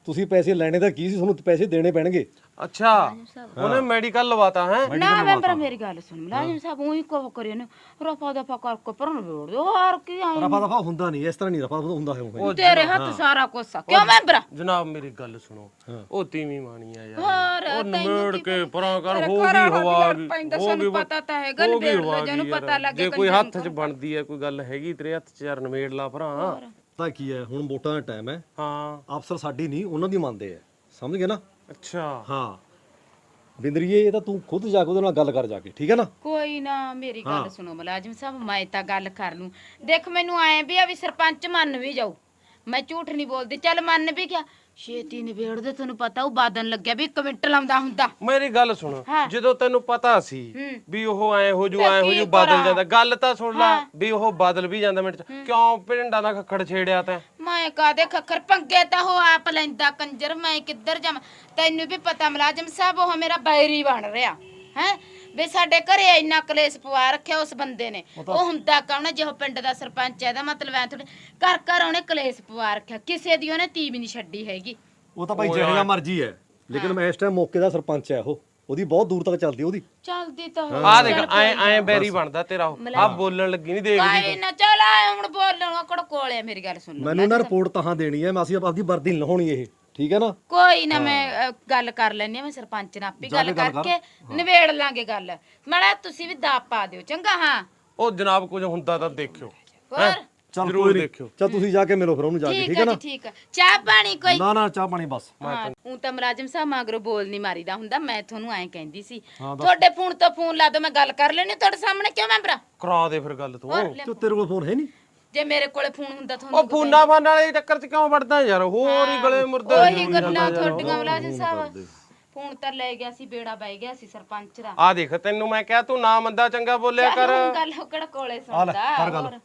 S8: ਤੁਸੀਂ ਪੈਸੇ ਲੈਣੇ ਤਾਂ ਕੀ ਸੀ, ਤੁਹਾਨੂੰ ਪੈਸੇ ਦੇਣੇ ਪੈਣਗੇ।
S4: ਅੱਛਾ ਉਹਨੇ ਮੈਡੀਕਲ ਲਵਾਤਾ ਹੈ।
S1: ਨਾ ਮੈਂਬਰ ਮੇਰੀ ਗੱਲ ਸੁਣ ਮੁਲਾਜ਼ਮ ਸਾਹਿਬ ਉਹੀ ਕੋ ਕਰੇ ਨੇ ਰਫਾ ਦਫਾ ਕਰਕੇ ਪਰਨ ਵੇੜ ਦਿਓ ਹੋਰ ਕੀ ਆਏ
S8: ਰਫਾ ਦਫਾ ਹੁੰਦਾ ਨਹੀਂ, ਇਸ ਤਰ੍ਹਾਂ ਨਹੀਂ ਰਫਾ ਦਫਾ ਹੁੰਦਾ ਹੈ ਉਹ।
S1: ਤੇਰੇ ਹੱਥ ਸਾਰਾ ਕੁਛ ਆ ਕਿਉਂ ਮੈਂਬਰ
S4: ਜਨਾਬ ਮੇਰੀ ਗੱਲ ਸੁਣੋ, ਉਹ ਤੀਵੀਂ ਮਾਣੀ ਆ ਯਾਰ,
S1: ਹੋਰ
S4: ਉਹ
S1: ਤੈਨੂੰ
S4: ਨਮੇੜ
S1: ਕੀ
S4: ਕੇ
S1: ਪਤਾ?
S4: ਪਰਾਂ ਕਰ
S1: ਤੇਰੇ
S4: ਹੋ
S1: ਘਰ
S4: ਗਈ
S1: ਵਾਲਾ ਵੀ
S4: ਹਵਾ
S1: ਲੜ
S4: ਗਈ,
S1: ਪੈਂਦਾ,
S4: ਹੋ
S1: ਸਾਨੂੰ
S4: ਗਈ
S1: ਪਤਾ ਤਾਂ ਹੈਗਾ,
S4: ਹੋ
S1: ਨਿਬੇੜ
S4: ਗਈ
S1: ਲਓ,
S4: ਹਵਾ
S1: ਜਿਹਨੂੰ
S4: ਗਈ
S1: ਪਤਾ
S4: ਯਾਰ।
S1: ਲੱਗੇ
S4: ਜੇ ਕੋਈ
S1: ਕੰਜਰ
S4: ਹੱਥ 'ਚ ਬਣਦੀ ਹੈ ਕੋਈ ਗੱਲ ਹੈਗੀ ਤੇਰੇ ਹੱਥ 'ਚ ਯਾਰ ਨਮੇੜ ਲਾ ਭਰਾ।
S8: ਤਾਂ ਕੀ ਹੈ, ਹੁਣ ਵੋਟਾਂ ਦਾ ਟਾਈਮ ਹੈ,
S4: ਹਾਂ
S8: ਅਫਸਰ ਸਾਡੀ ਨਹੀਂ ਉਹਨਾਂ ਦੀ ਮੰਨਦੇ ਆ, ਸਮਝ ਗਏ ਨਾ।
S4: ਅੱਛਾ
S8: ਹਾਂ ਬਿੰਦਰੀਏ, ਇਹ ਤਾਂ ਤੂੰ ਖੁਦ ਜਾ ਕੇ ਉਹਦੇ ਨਾਲ ਗੱਲ ਕਰ ਜਾ ਕੇ, ਠੀਕ ਹੈ ਨਾ।
S1: ਕੋਈ ਨਾ ਮੇਰੀ ਗੱਲ ਸੁਣੋ ਮੁਲਾਜ਼ਮ ਸਾਹਿਬ, ਮੈਂ ਤਾਂ ਗੱਲ ਕਰ ਲੂੰ। ਦੇਖ ਮੈਨੂੰ ਐ ਵੀ ਆ ਵੀ ਸਰਪੰਚ ਮੰਨ ਵੀ ਜਾਊ, ਮੈਂ ਝੂਠ ਨਹੀਂ ਬੋਲਦੀ, ਚੱਲ ਮੰਨ ਵੀ ਗਿਆ ਛੇਤੀ ਨਿਬੇੜ ਦੇ, ਤੈਨੂੰ ਪਤਾ ਉਹ ਬਾਦਨ ਲੱਗਿਆ ਵੀ ਇੱਕ ਮਿੰਟ ਲਾਉਂਦਾ ਹੁੰਦਾ।
S4: ਮੇਰੀ ਗੱਲ ਸੁਣ,
S1: ਹਾਂ।
S4: ਜਦੋਂ ਤੈਨੂੰ ਪਤਾ ਸੀ
S1: ਹੂੰ।
S4: ਵੀ ਉਹ ਐ ਹੋ ਜੂ
S1: ਫਿਰ
S4: ਐ ਹੋ
S1: ਕੀ
S4: ਜੂ ਬਦਲ
S1: ਕਰਾਂ?
S4: ਜਾਂਦਾ, ਗੱਲ ਤਾਂ ਸੁਣ ਲੈ
S1: ਹਾਂ।
S4: ਵੀ ਉਹ ਬਦਲ ਵੀ ਜਾਂਦਾ ਮਿੰਟ 'ਚ। ਕਿਉਂ ਪਿੰਡਾਂ ਦਾ ਖੱਖੜ ਛੇੜਿਆ ਤੈਂ?
S1: ਮੈਂ ਕਾਦੇ ਖੱਖਰ ਪੰਗੇ ਤਾਂ ਉਹ ਆਪ ਲੈਂਦਾ ਕੰਜਰ, ਮੈਂ ਕਿੱਧਰ ਜਾਵਾਂ? ਤੈਨੂੰ ਵੀ ਪਤਾ ਮੁਲਾਜ਼ਮ ਸਾਹਿਬ ਉਹ ਮੇਰਾ ਬੈਰੀ ਬਣ ਰਿਹਾ ਹੈ ਵੇ, ਸਾਡੇ ਘਰੇ ਇੰਨਾ ਕਲੇਸ਼ ਪਵਾ ਰੱਖਿਆ ਉਸ ਬੰਦੇ ਨੇ। ਉਹ ਹੁੰਦਾ ਕੌਣ, ਜਿਹੋ ਪਿੰਡ ਦਾ ਸਰਪੰਚ ਹੈ, ਇਹਦਾ ਮਤਲਬ ਐ ਥੋੜੇ ਘਰ ਘਰ ਉਹਨੇ ਕਲੇਸ਼ ਪਵਾ ਰੱਖਿਆ, ਕਿਸੇ ਦੀ ਉਹਨੇ ਤੀ ਵੀ ਨਹੀਂ ਛੱਡੀ ਹੈਗੀ।
S8: ਉਹ ਤਾਂ ਭਾਈ ਜਿਹੜਾ ਮਰਜ਼ੀ ਹੈ, ਲੇਕਿਨ ਮੈਂ ਇਸ ਟਾਈਮ ਮੌਕੇ ਦਾ ਸਰਪੰਚ ਹੈ, ਉਹ ਉਹਦੀ ਬਹੁਤ ਦੂਰ ਤੱਕ ਚੱਲਦੀ ਉਹਦੀ।
S1: ਚੱਲਦੀ ਤਾਂ
S4: ਆ ਦੇਖ ਐ ਐ ਬੈਰੀ ਬਣਦਾ ਤੇਰਾ ਉਹ, ਆ ਬੋਲਣ ਲੱਗੀ ਨਹੀਂ ਦੇਖਦੀ
S1: ਕੋਈ ਨਾ ਚੱਲ ਆ ਹੁਣ ਬੋਲਣ ਕੜ ਕੋਲੇ ਮੇਰੀ ਗੱਲ ਸੁਣ ਲਓ।
S8: ਮੈਨੂੰ ਨਾ ਰਿਪੋਰਟ ਤਾਂ ਦੇਣੀ ਹੈ, ਮੈਂ ਅਸੀਂ ਆਪਦੀ ਵਰਦੀ ਨਹੀਂ ਲਾਉਣੀ ਇਹ, ਠੀਕ ਹੈ ਨਾ।
S1: ਕੋਈ ਨਾ ਮੈਂ ਅ, ਗੱਲ ਕਰ ਲੈਣੀ ਆ, ਮੈਂ ਸਰਪੰਚ ਨਾਲ ਆਪੇ ਗੱਲ ਕਰਕੇ ਨਿਬੇੜ ਲਾਂਗੇ ਗੱਲ। ਮੜਾ ਤੁਸੀਂ ਵੀ ਦਾਪ ਪਾ ਦਿਓ ਚੰਗਾ। ਹਾਂ
S4: ਉਹ ਜਨਾਬ ਕੁਝ ਹੁੰਦਾ ਤਾਂ ਦੇਖਿਓ,
S1: ਹੋਰ
S8: ਚੱਲ
S4: ਜ਼ਰੂਰ
S8: ਕੋਈ ਨੀ,
S4: ਦੇਖਿਓ।
S8: ਚੱਲ ਤੁਸੀਂ ਜਾ ਕੇ ਮਿਲੋ ਫਿਰ ਉਹਨੂੰ ਜਾ ਕੇ,
S1: ਠੀਕ
S8: ਠੀਕ
S1: ਹੈ
S8: ਹੈ ਨਾ।
S1: ਜੀ ਠੀਕ ਹੈ। ਚਾਹ ਪਾਣੀ ਕੋਈ?
S8: ਨਾ ਨਾ ਚਾਹ ਪਾਣੀ ਬਸ।
S1: ਹਾਂ ਉਹ ਤਾਂ ਮੁਲਾਜ਼ਮ ਸਾਹਿਬ ਮਗਰੋਂ ਬੋਲ ਨਹੀਂ ਮਾਰੀਦਾ ਹੁੰਦਾ, ਮੈਂ ਤੁਹਾਨੂੰ ਐਂ ਕਹਿੰਦੀ ਸੀ ਤੁਹਾਡੇ ਫੋਨ ਤੋਂ ਫੋਨ ਲਾ ਦੋ, ਮੈਂ ਗੱਲ ਕਰ ਲੈਣੀ ਤੁਹਾਡੇ ਸਾਹਮਣੇ। ਕਿਉਂ ਮੈਂਬਰਾ
S4: ਕਰਾ ਦੇ ਫਿਰ ਗੱਲ ਤੂੰ।
S8: ਤੇ ਤੇਰੇ ਕੋਲ ਫੋਨ ਹੈ ਨਹੀਂ?
S1: ਜੇ ਮੇਰੇ ਕੋਲੇ ਫੋਨ ਹੁੰਦਾ ਤੁਹਾਨੂੰ
S4: ਉਹ ਫੋਨਾ ਫਾਨ ਵਾਲੇ ਚੱਕਰ 'ਚ ਕਿਉਂ ਵੜਦਾ ਯਾਰ, ਹੋਰ ਹੀ ਗਲੇ ਮੁਰਦੇ
S1: ਉਹੀ ਗੱਲਾਂ ਤੁਹਾਡੀਆਂ ਮੁਲਾਜ਼ਮ ਸਾਹਿਬ। ਫੋਨ ਤਾਂ ਲੈ ਗਿਆ ਸੀ, ਬੇੜਾ ਬਹਿ ਗਿਆ ਸੀ ਸਰਪੰਚ ਦਾ।
S4: ਆ ਦੇਖ ਤੈਨੂੰ ਮੈਂ ਕਿਹਾ ਤੂੰ ਨਾ ਮੰਦਾ ਚੰਗਾ ਬੋਲਿਆ ਕਰ।
S1: ਚੱਲ ਹੁਣ ਗੱਲ ਹੋਕੜ ਕੋਲੇ ਸੁਣਦਾ। ਹੋਰ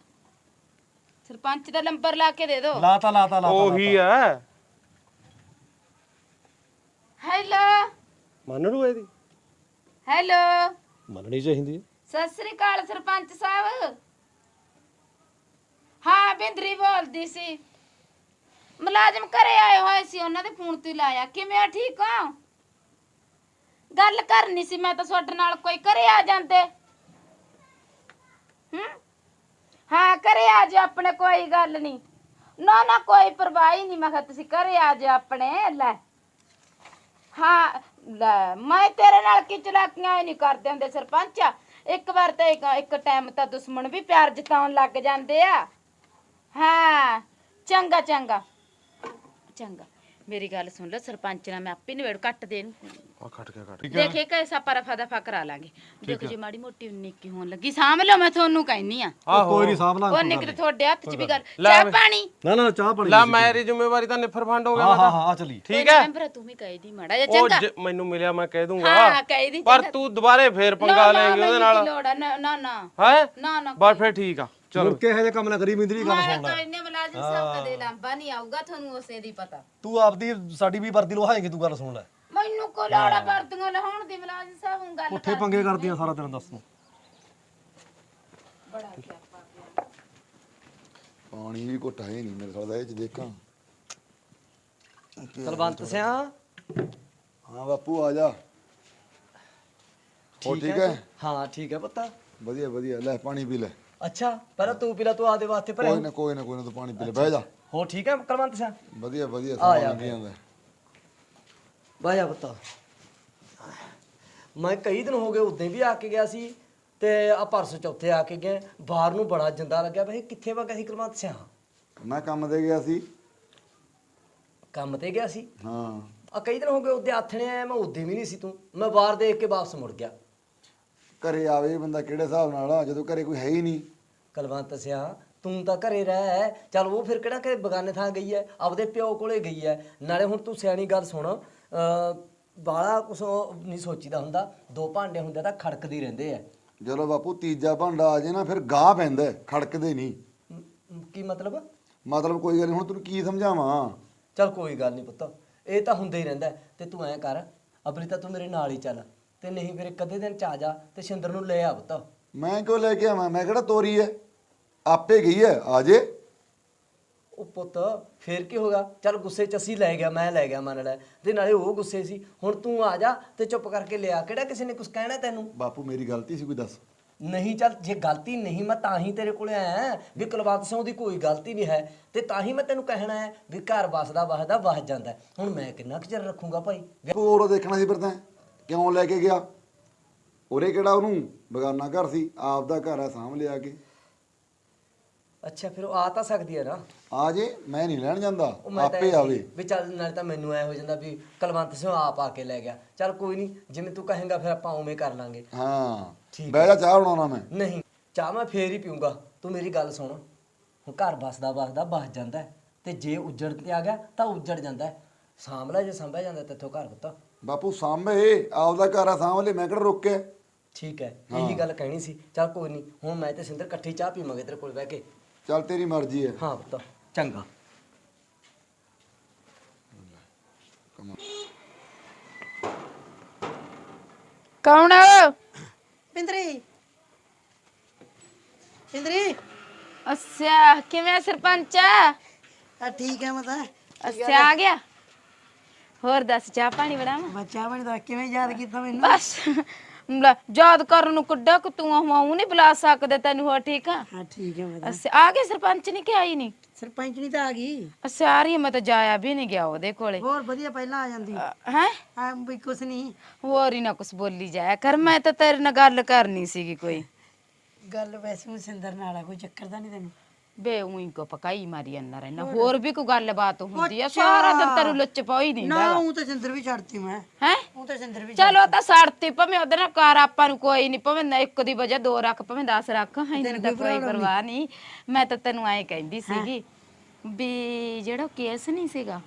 S1: ਸਰਪੰਚ ਦਾ ਨੰਬਰ ਲਾ ਕੇ ਦੇ ਦਿਓ।
S8: ਲਾਤਾ ਲਾਤਾ ਲਾਤਾ
S4: ਉਹੀ ਹੈ
S1: ਹੈਲੋ
S4: ਮੰਨ ਲੂ ਇਹਦੀ।
S1: ਹੈਲੋ
S8: ਮੰਨਣੀ ਚਾਹੀਦੀ ਹੈ।
S1: ਸਤਿ ਸ੍ਰੀ ਅਕਾਲ ਸਰਪੰਚ ਸਾਹਿਬ। ਹਾਂ ਬਿੰਦਰੀ ਬੋਲਦੀ ਸੀ, ਮੁਲਾਜ਼ਮ ਘਰੇ ਆਏ ਹੋਏ ਸੀ, ਉਹਨਾਂ ਦੇ ਫੋਨ ਤੋਂ ਹੀ ਲਾਇਆ। ਕਿਵੇਂ ਆ, ਠੀਕ ਹੋ? ਗੱਲ ਕਰਨੀ ਸੀ ਮੈਂ ਤਾਂ ਤੁਹਾਡੇ ਨਾਲ, ਕੋਈ ਘਰੇ ਆ ਜਾਂਦੇ। ਹੂੰ ਹਾਂ ਘਰੇ ਆ ਜਾ ਆਪਣੇ, ਕੋਈ ਗੱਲ ਨਹੀਂ। ਨਾ ਨਾ ਕੋਈ ਪਰਵਾਹ ਹੀ ਨਹੀਂ, ਮੈਂ ਕਿਹਾ ਤੁਸੀਂ ਘਰੇ ਆ ਜਾ ਆਪਣੇ। ਲੈ ਹਾਂ ਲੈ ਮੈਂ ਤੇਰੇ ਨਾਲ ਕੀ ਚਲਾਕੀਆਂ ਹੀ ਨਹੀਂ ਕਰਦੇ ਹੁੰਦੇ ਸਰਪੰਚ। ਇੱਕ ਵਾਰ ਤਾਂ ਇੱਕ ਇੱਕ ਟਾਈਮ ਤਾਂ ਦੁਸ਼ਮਣ ਵੀ ਪਿਆਰ ਜਤਾਉਣ ਲੱਗ ਜਾਂਦੇ ਆ। ਹਾਂ ਚੰਗਾ ਚੰਗਾ ਚੰਗਾ। ਮੇਰੀ ਗੱਲ ਸੁਣ ਲੈ ਸਰਪੰਚ ਨਾਲ ਮੈਂ ਆਪੇ ਨਿਬੇੜ ਕੱਟ ਦੇ ਇਹਨੂੰ।
S4: ਆ ਕੱਟ ਕੇ ਕੱਟ
S1: ਦੇਖੇ ਕੈਸਾ ਪਰਫਾ ਦਫਾ ਕਰਾ ਲਾਂਗੇ। ਦੇਖੋ ਜੇ ਮਾੜੀ ਮੋਟੀ ਨਿੱਕੀ ਹੋਣ ਲੱਗੀ ਸਾਂਭ ਲਓ, ਮੈਂ ਤੁਹਾਨੂੰ ਕਹਿਨੀ ਆ।
S8: ਕੋਈ ਨਹੀਂ ਸਾਂਭ ਲਾਂਗੇ।
S1: ਉਹ ਨਿਕਲ ਤੁਹਾਡੇ ਹੱਥ 'ਚ ਵੀ ਗੱਲ। ਚਾਹ ਪਾਣੀ?
S8: ਨਾ ਨਾ ਚਾਹ ਪਾਣੀ।
S4: ਲੈ ਮੇਰੀ ਜ਼ਿੰਮੇਵਾਰੀ ਤਾਂ ਨਿਫਰ ਫੰਡ ਹੋ ਗਿਆ।
S8: ਹਾਂ ਹਾਂ ਹਾਂ ਚੱਲੀ।
S4: ਠੀਕ ਹੈ
S1: ਮੈਂਬਰ ਤੂੰ ਵੀ ਕਹਿ ਦੀ ਮਾੜਾ ਜਿਹਾ
S4: ਉਹ
S1: ਚੰਗਾ।
S4: ਜ- ਮੈਨੂੰ ਮਿਲਿਆ ਮੈਂ ਕਹਿ ਦੂੰਗਾ,
S1: ਹਾਂ ਕਹਿ ਦੀ
S4: ਪਰ ਤੂੰ ਦੁਬਾਰੇ ਫੇਰ ਪੰਗਾ ਲੈਂਗੇ ਉਹਦੇ ਨਾਲ।
S1: ਲੋੜ ਆ, ਨਾ ਨਾ ਨਾ
S4: ਹੈ
S1: ਨਾ ਨਾ
S4: ਬਸ ਫੇਰ ਠੀਕ ਆ ਚਲੋ।
S8: ਮੁੜ ਕੇ ਇਹੋ ਜਿਹਾ ਕੰਮ ਨਾ ਕਰੀ ਮਿੰਦਰੀ, ਗੱਲ
S1: ਮੈਂ
S8: ਸੁਣ
S1: ਤਾਂ
S8: ਲੈ।
S1: ਇੰਨੇ ਮੁਲਾਜ਼ਮ ਸਾਹਿਬ ਕਦੇ ਲਾਂਬਾ ਨਹੀਂ ਆਊਗਾ, ਤੁਹਾਨੂੰ ਉਸੇ ਦੀ ਪਤਾ।
S8: ਤੂੰ ਆਪਦੀ ਸਾਡੀ ਵੀ ਵਰਦੀ ਲਵਾਏਂਗੀ, ਤੂੰ ਗੱਲ ਸੁਣ ਲੈ।
S1: ਮੈਨੂੰ ਕੋ ਲੋੜਾ ਵਰਦੀਆਂ ਲਹਾਉਣ ਦੀ ਮੁਲਾਜ਼ਮ ਸਾਹਿਬ ਨੂੰ ਗੱਲ
S8: ਪੁੱਠੇ ਪੰਗੇ ਕਰਦੀਆਂ ਸਾਰਾ ਦਿਨ, ਦੱਸ ਨੂੰ।
S1: ਬੜਾ ਸਿਆਪਾ।
S9: ਪਾਣੀ ਵੀ ਘੁੱਟ ਹੈ ਨਹੀਂ ਮੇਰੇ ਸਾਲ ਦਾ, ਇਹ ਚ ਦੇਖਾਂ।
S7: ਕਲਵੰਤ ਸਿਆ
S9: ਹਾਂ ਬਾਪੂ ਆ ਜਾ। ਹੋ ਠੀਕ ਹੈ?
S7: ਹਾਂ ਠੀਕ ਹੈ ਪੁੱਤ।
S9: ਵਧੀਆ ਵਧੀਆ, ਲੈ ਪਾਣੀ ਪੀ ਲੈ।
S7: ਅੱਛਾ ਪਹਿਲਾਂ ਤੂੰ ਪੀ ਲੈ, ਤੂੰ ਆਦੇ ਵਾਸਤੇ ਭਰਿਆ।
S9: ਕੋਈ ਨਾ ਕੋਈ ਨਾ ਕੋਈ ਨਾ, ਤੂੰ ਪਾਣੀ ਪੀ ਲੈ, ਬਹਿ ਜਾ।
S7: ਹੋ ਠੀਕ ਹੈ ਕਲਵੰਤ ਸਿਆ?
S9: ਵਧੀਆ ਵਧੀਆ,
S7: ਆ ਜਾ,
S9: ਸਮਾਂ ਲੰਘੀ ਜਾਂਦਾ।
S7: ਬਹਿ ਜਾ ਪੁੱਤ। ਮੈਂ ਕਈ ਦਿਨ ਹੋ ਗਏ ਉਦੋਂ ਵੀ ਆ ਕੇ ਗਿਆ ਸੀ, ਤੇ ਆ ਪਰਸੋਂ ਚੌਥੇ ਆ ਕੇ ਗਏ। ਬਾਹਰ ਨੂੰ ਬੜਾ ਜਿੰਦਾ ਲੱਗਿਆ ਬਈ, ਕਿੱਥੇ ਵਗਾ ਸੀ ਕਲਵੰਤ ਸਿਆ?
S9: ਮੈਂ ਕੰਮ ਤੇ ਗਿਆ ਸੀ।
S7: ਕੰਮ ਤੇ ਗਿਆ ਸੀ?
S9: ਹਾਂ
S7: ਆ ਕਈ ਦਿਨ ਹੋ ਗਏ ਉਦੋਂ ਆਥਣੇ ਆਇਆ, ਮੈਂ ਉਦੋਂ ਵੀ ਨਹੀਂ ਸੀ ਤੂੰ। ਮੈਂ ਬਾਹਰ ਦੇਖ ਕੇ ਵਾਪਸ ਮੁੜ ਗਿਆ।
S9: ਘਰੇ ਆਵੇ ਬੰਦਾ ਕਿਹੜੇ ਹਿਸਾਬ ਨਾਲ ਆ, ਜਦੋਂ ਘਰੇ ਕੋਈ ਹੈ ਹੀ ਨਹੀਂ।
S7: ਕਲਵੰਤ ਸਿਆ ਤੂੰ ਤਾਂ ਘਰੇ ਰਹਿ, ਚੱਲ ਉਹ ਫਿਰ ਕਿਹੜਾ ਕਿ ਬਗਾਨੇ ਥਾਂ ਗਈ ਐ, ਆਪਦੇ ਪਿਓ ਕੋਲੇ ਗਈ ਐ। ਨਾਲੇ ਹੁਣ ਤੂੰ ਸਿਆਣੀ ਗੱਲ ਸੁਣ, ਬਾਲਾ ਕੁਛ ਨਹੀਂ ਸੋਚੀਦਾ ਹੁੰਦਾ, ਦੋ ਭਾਂਡੇ ਹੁੰਦੇ ਤਾਂ ਖੜਕਦੇ ਹੀ ਰਹਿੰਦੇ ਐ।
S9: ਜਦੋਂ ਬਾਪੂ ਤੀਜਾ ਭਾਂਡਾ ਆ ਜੇ ਨਾ, ਫਿਰ ਗਾਹ ਪੈਂਦਾ, ਖੜਕਦੇ ਨਹੀਂ।
S7: ਮ- ਕੀ ਮਤਲਬ?
S9: ਮਤਲਬ ਕੋਈ ਗੱਲ ਨਹੀਂ, ਹੁਣ ਤੈਨੂੰ ਕੀ ਸਮਝਾਵਾਂ।
S7: ਚੱਲ ਕੋਈ ਗੱਲ ਨਹੀਂ ਪੁੱਤ, ਇਹ ਤਾਂ ਹੁੰਦਾ ਹੀ ਰਹਿੰਦਾ। ਤੇ ਤੂੰ ਐਂ ਕਰ, ਅਬਲੀ ਤਾਂ ਤੂੰ ਮੇਰੇ ਨਾਲ ਹੀ ਚੱਲ, ਤੇ ਨਹੀਂ ਫਿਰ ਇੱਕ ਅੱਧੇ ਦਿਨ ਚ ਆ ਜਾ ਤੇ ਸ਼ਿੰਦਰ ਨੂੰ ਲੈ ਆ ਪੁੱਤ।
S9: ਮੈਂ ਕਿਉਂ ਲੈ ਕੇ ਆਵਾਂ, ਮੈਂ ਕਿਹੜਾ ਤੋਰੀ ਐ, ਆਪੇ ਗਈ ਐ, ਆ ਜੇ।
S7: ਉਹ ਪੁੱਤ ਫੇਰ ਕੀ ਹੋਗਾ? ਚੱਲ ਗੁੱਸੇ ਚ ਅਸੀਂ ਲੈ ਗਿਆ, ਮੈਂ ਲੈ ਗਿਆ ਮੰਨ ਲੈ, ਤੇ ਨਾਲੇ ਉਹ ਗੁੱਸੇ ਸੀ। ਹੁਣ ਤੂੰ ਆ ਜਾ ਤੇ ਚੁੱਪ ਕਰਕੇ ਲਿਆ, ਕਿਹੜਾ ਕਿਸੇ ਨੇ ਕੁਝ ਕਹਿਣਾ ਤੈਨੂੰ?
S9: ਬਾਪੂ ਮੇਰੀ ਗਲਤੀ ਸੀ ਕੋਈ ਦੱਸ?
S7: ਨਹੀਂ ਚੱਲ ਜੇ ਗਲਤੀ ਨਹੀਂ, ਮੈਂ ਤਾਂ ਹੀ ਤੇਰੇ ਕੋਲੇ ਆਇਆ ਵੀ ਕੁਲਵੰਤ ਸਿੰਘ ਦੀ ਕੋਈ ਗਲਤੀ ਨਹੀਂ ਹੈ, ਤੇ ਤਾਂ ਹੀ ਮੈਂ ਤੈਨੂੰ ਕਹਿਣਾ ਹੈ ਵੀ ਘਰ ਵਸਦਾ ਵਸਦਾ ਵਸ ਜਾਂਦਾ। ਹੁਣ ਮੈਂ ਕਿੰਨਾ ਕੁ ਚਿਰ ਰੱਖੂੰਗਾ ਭਾਈ?
S9: ਹੋਰ ਉਹ ਦੇਖਣਾ ਸੀ ਫਿਰ ਤਾਂ ਕਿਉਂ ਲੈ ਕੇ ਗਿਆ? ਉਰੇ ਕਿਹੜਾ ਉਹਨੂੰ ਬਗਾਨਾ ਘਰ ਸੀ, ਆਪ ਦਾ ਘਰ ਆ, ਸਾਂਭ ਲਿਆ ਕੇ।
S7: ਅੱਛਾ ਫਿਰ ਉਹ ਆ ਤਾਂ ਸਕਦੀ ਹੈ ਨਾ?
S9: ਆ ਜੇ, ਮੈਂ ਨਹੀਂ ਲੈਣ ਜਾਂਦਾ,
S7: ਉਹ ਮੈਂ ਤਾਂ
S9: ਆਪੇ
S7: ਐਂ
S9: ਆਵੇ।
S7: ਸੀ ਵੀ ਚੱਲ ਨਾਲੇ ਤਾਂ ਮੈਨੂੰ ਐ ਹੋ ਜਾਂਦਾ ਵੀ ਕੁਲਵੰਤ ਸਿੰਘ ਆਪ ਆ ਕੇ ਲੈ ਗਿਆ। ਚੱਲ ਕੋਈ ਨਹੀਂ, ਜਿਵੇਂ ਤੂੰ ਕਹੇਂਗਾ ਫਿਰ ਆਪਾਂ ਉਵੇਂ ਕਰ ਲਾਂਗੇ।
S9: ਹਾਂ
S7: ਠੀਕ
S9: ਬਹਿ ਜਾ, ਚਾਹ ਬਣਾਉਣਾ ਮੈਂ।
S7: ਨਹੀਂ ਚਾਹ ਮੈਂ ਫੇਰ ਹੀ ਪੀਊਂਗਾ। ਤੂੰ ਮੇਰੀ ਗੱਲ ਸੁਣ, ਹੁਣ ਘਰ ਬਸਦਾ ਬਸਦਾ ਬਸ ਜਾਂਦਾ ਹੈ, ਤੇ ਜੇ ਉੱਜੜ ਤੇ ਆ ਗਿਆ ਤਾਂ ਉੱਜੜ ਜਾਂਦਾ ਹੈ। ਸਾਂਭ ਲੈ ਜੇ ਸੰਭਿਆ ਜਾਂਦਾ ਤੇਥੋਂ ਘਰ ਪੁੱਤ।
S9: ਬਾਪੂ ਸਾਂਭੇ, ਆਪਦਾ ਘਰ ਆ, ਸਾਂਭ ਲੈ, ਮੈਂ ਕਿਹੜਾ ਰੋਕਿਆ?
S7: ਠੀਕ ਹੈ, ਇਹੀ ਗੱਲ ਕਹਿਣੀ ਸੀ। ਚੱਲ ਕੋਈ ਨਹੀਂ, ਹੁਣ ਮੈਂ ਤੇ ਸਿੰਦਰ ਇਕੱਠੀ ਚਾਹ ਪੀਵਾਂਗੇ ਤੇਰੇ ਕੋਲ ਬਹਿ ਕੇ।
S9: ਚੱਲ ਤੇਰੀ ਮਰਜ਼ੀ ਹੈ।
S7: ਹਾਂ ਪੁੱਤ ਚੰਗਾ।
S1: ਕੌਣ?
S3: ਪਿੰਦਰੀ ਪਿੰਦਰੀ
S1: ਅੱਛਾ, ਕਿਵੇਂ ਸਰਪੰਚ?
S3: ਆ ਠੀਕ ਹੈ ਮੈਂ ਤਾਂ।
S1: ਅੱਛਾ ਆ ਗਿਆ। ਹੋਰ ਦੱਸ, ਚਾਹ ਪਾਣੀ ਬਣਾਵਾਂ?
S3: ਬੱਚਾ ਬਣ ਦਾ ਕਿਵੇਂ ਯਾਦ ਕੀਤਾ ਮੈਨੂੰ?
S1: ਬਸ ਲੈ, ਯਾਦ ਕਰਨ ਨੂੰ ਕਿੱਡਾ ਕਿ ਤੂੰ ਆਉਂ ਨਹੀਂ ਬੁਲਾ ਸਕਦੇ ਤੈਨੂੰ। ਹੋਰ ਠੀਕ ਆ?
S3: ਹਾਂ ਠੀਕ ਹੈ ਮੈਂ ਤਾਂ।
S1: ਅੱਛਾ ਆ ਗਏ ਸਰਪੰਚ ਨਹੀਂ ਕਿ ਆਈ ਨਹੀਂ?
S3: ਸਰਪੰਚ ਨਹੀਂ ਤਾਂ ਆ ਗਈ।
S1: ਅੱਛਾ ਆ ਰਹੀ ਆ, ਮੈਂ ਤਾਂ ਜਾਇਆ ਵੀ ਨਹੀਂ ਗਿਆ ਉਹਦੇ ਕੋਲੇ।
S3: ਹੋਰ ਵਧੀਆ ਪਹਿਲਾਂ ਆ ਜਾਂਦੀ।
S1: ਹੈ
S3: ਆ ਵੀ ਕੁਛ ਨਹੀਂ,
S1: ਹੋਰ ਹੀ ਨਾ ਕੁਛ ਬੋਲੀ ਜਾਇਆ ਕਰ, ਮੈਂ ਤਾਂ ਤੇਰੇ ਨਾਲ ਗੱਲ ਕਰਨੀ ਸੀਗੀ ਕੋਈ।
S3: ਗੱਲ ਵੈਸੇ ਸਿੰਦਰ ਨਾਲ ਆ, ਕੋਈ ਚੱਕਰ ਤਾਂ ਨਹੀਂ ਤੈਨੂੰ?
S1: ਬੇ ਉਹੀ ਕੋ ਪਕਾਈ ਮਾਰੀ ਅੰਨਾ ਰਹਿਣਾ, ਹੋਰ ਵੀ ਕੋਈ ਗੱਲਬਾਤ ਹੁੰਦੀ ਆ? ਸਾਰਾ ਦਿਨ ਤੈਨੂੰ ਲੁੱਚ ਪਾਈ ਨਹੀਂ
S3: ਨਾ ਉਹ ਤਾਂ ਸਿੰਦਰ ਵੀ ਛੱਡਤੀ ਮੈਂ।
S1: ਹੈ
S3: ਉਹ ਤਾਂ ਸਿੰਦਰ ਵੀ
S1: ਚਲੋ ਤਾਂ ਸੜਤੀ, ਭਾਵੇਂ ਉਹਦੇ ਨਾਲ ਕਰ ਆਪਾਂ ਨੂੰ ਕੋਈ ਨਹੀਂ, ਭਾਵੇਂ ਨਾ ਇੱਕ ਦੀ ਵਜ੍ਹਾ ਦੋ ਰੱਖ, ਭਾਵੇਂ ਦਸ ਰੱਖ, ਇਹਨੂੰ ਤਾਂ ਕੋਈ ਪਰਵਾਹ ਨਹੀਂ। ਮੈਂ ਤਾਂ ਤੈਨੂੰ ਐਂ ਕਹਿੰਦੀ ਸੀਗੀ ਵੀ ਜਿਹੜਾ ਕੇਸ ਨਹੀਂ ਸੀਗਾ,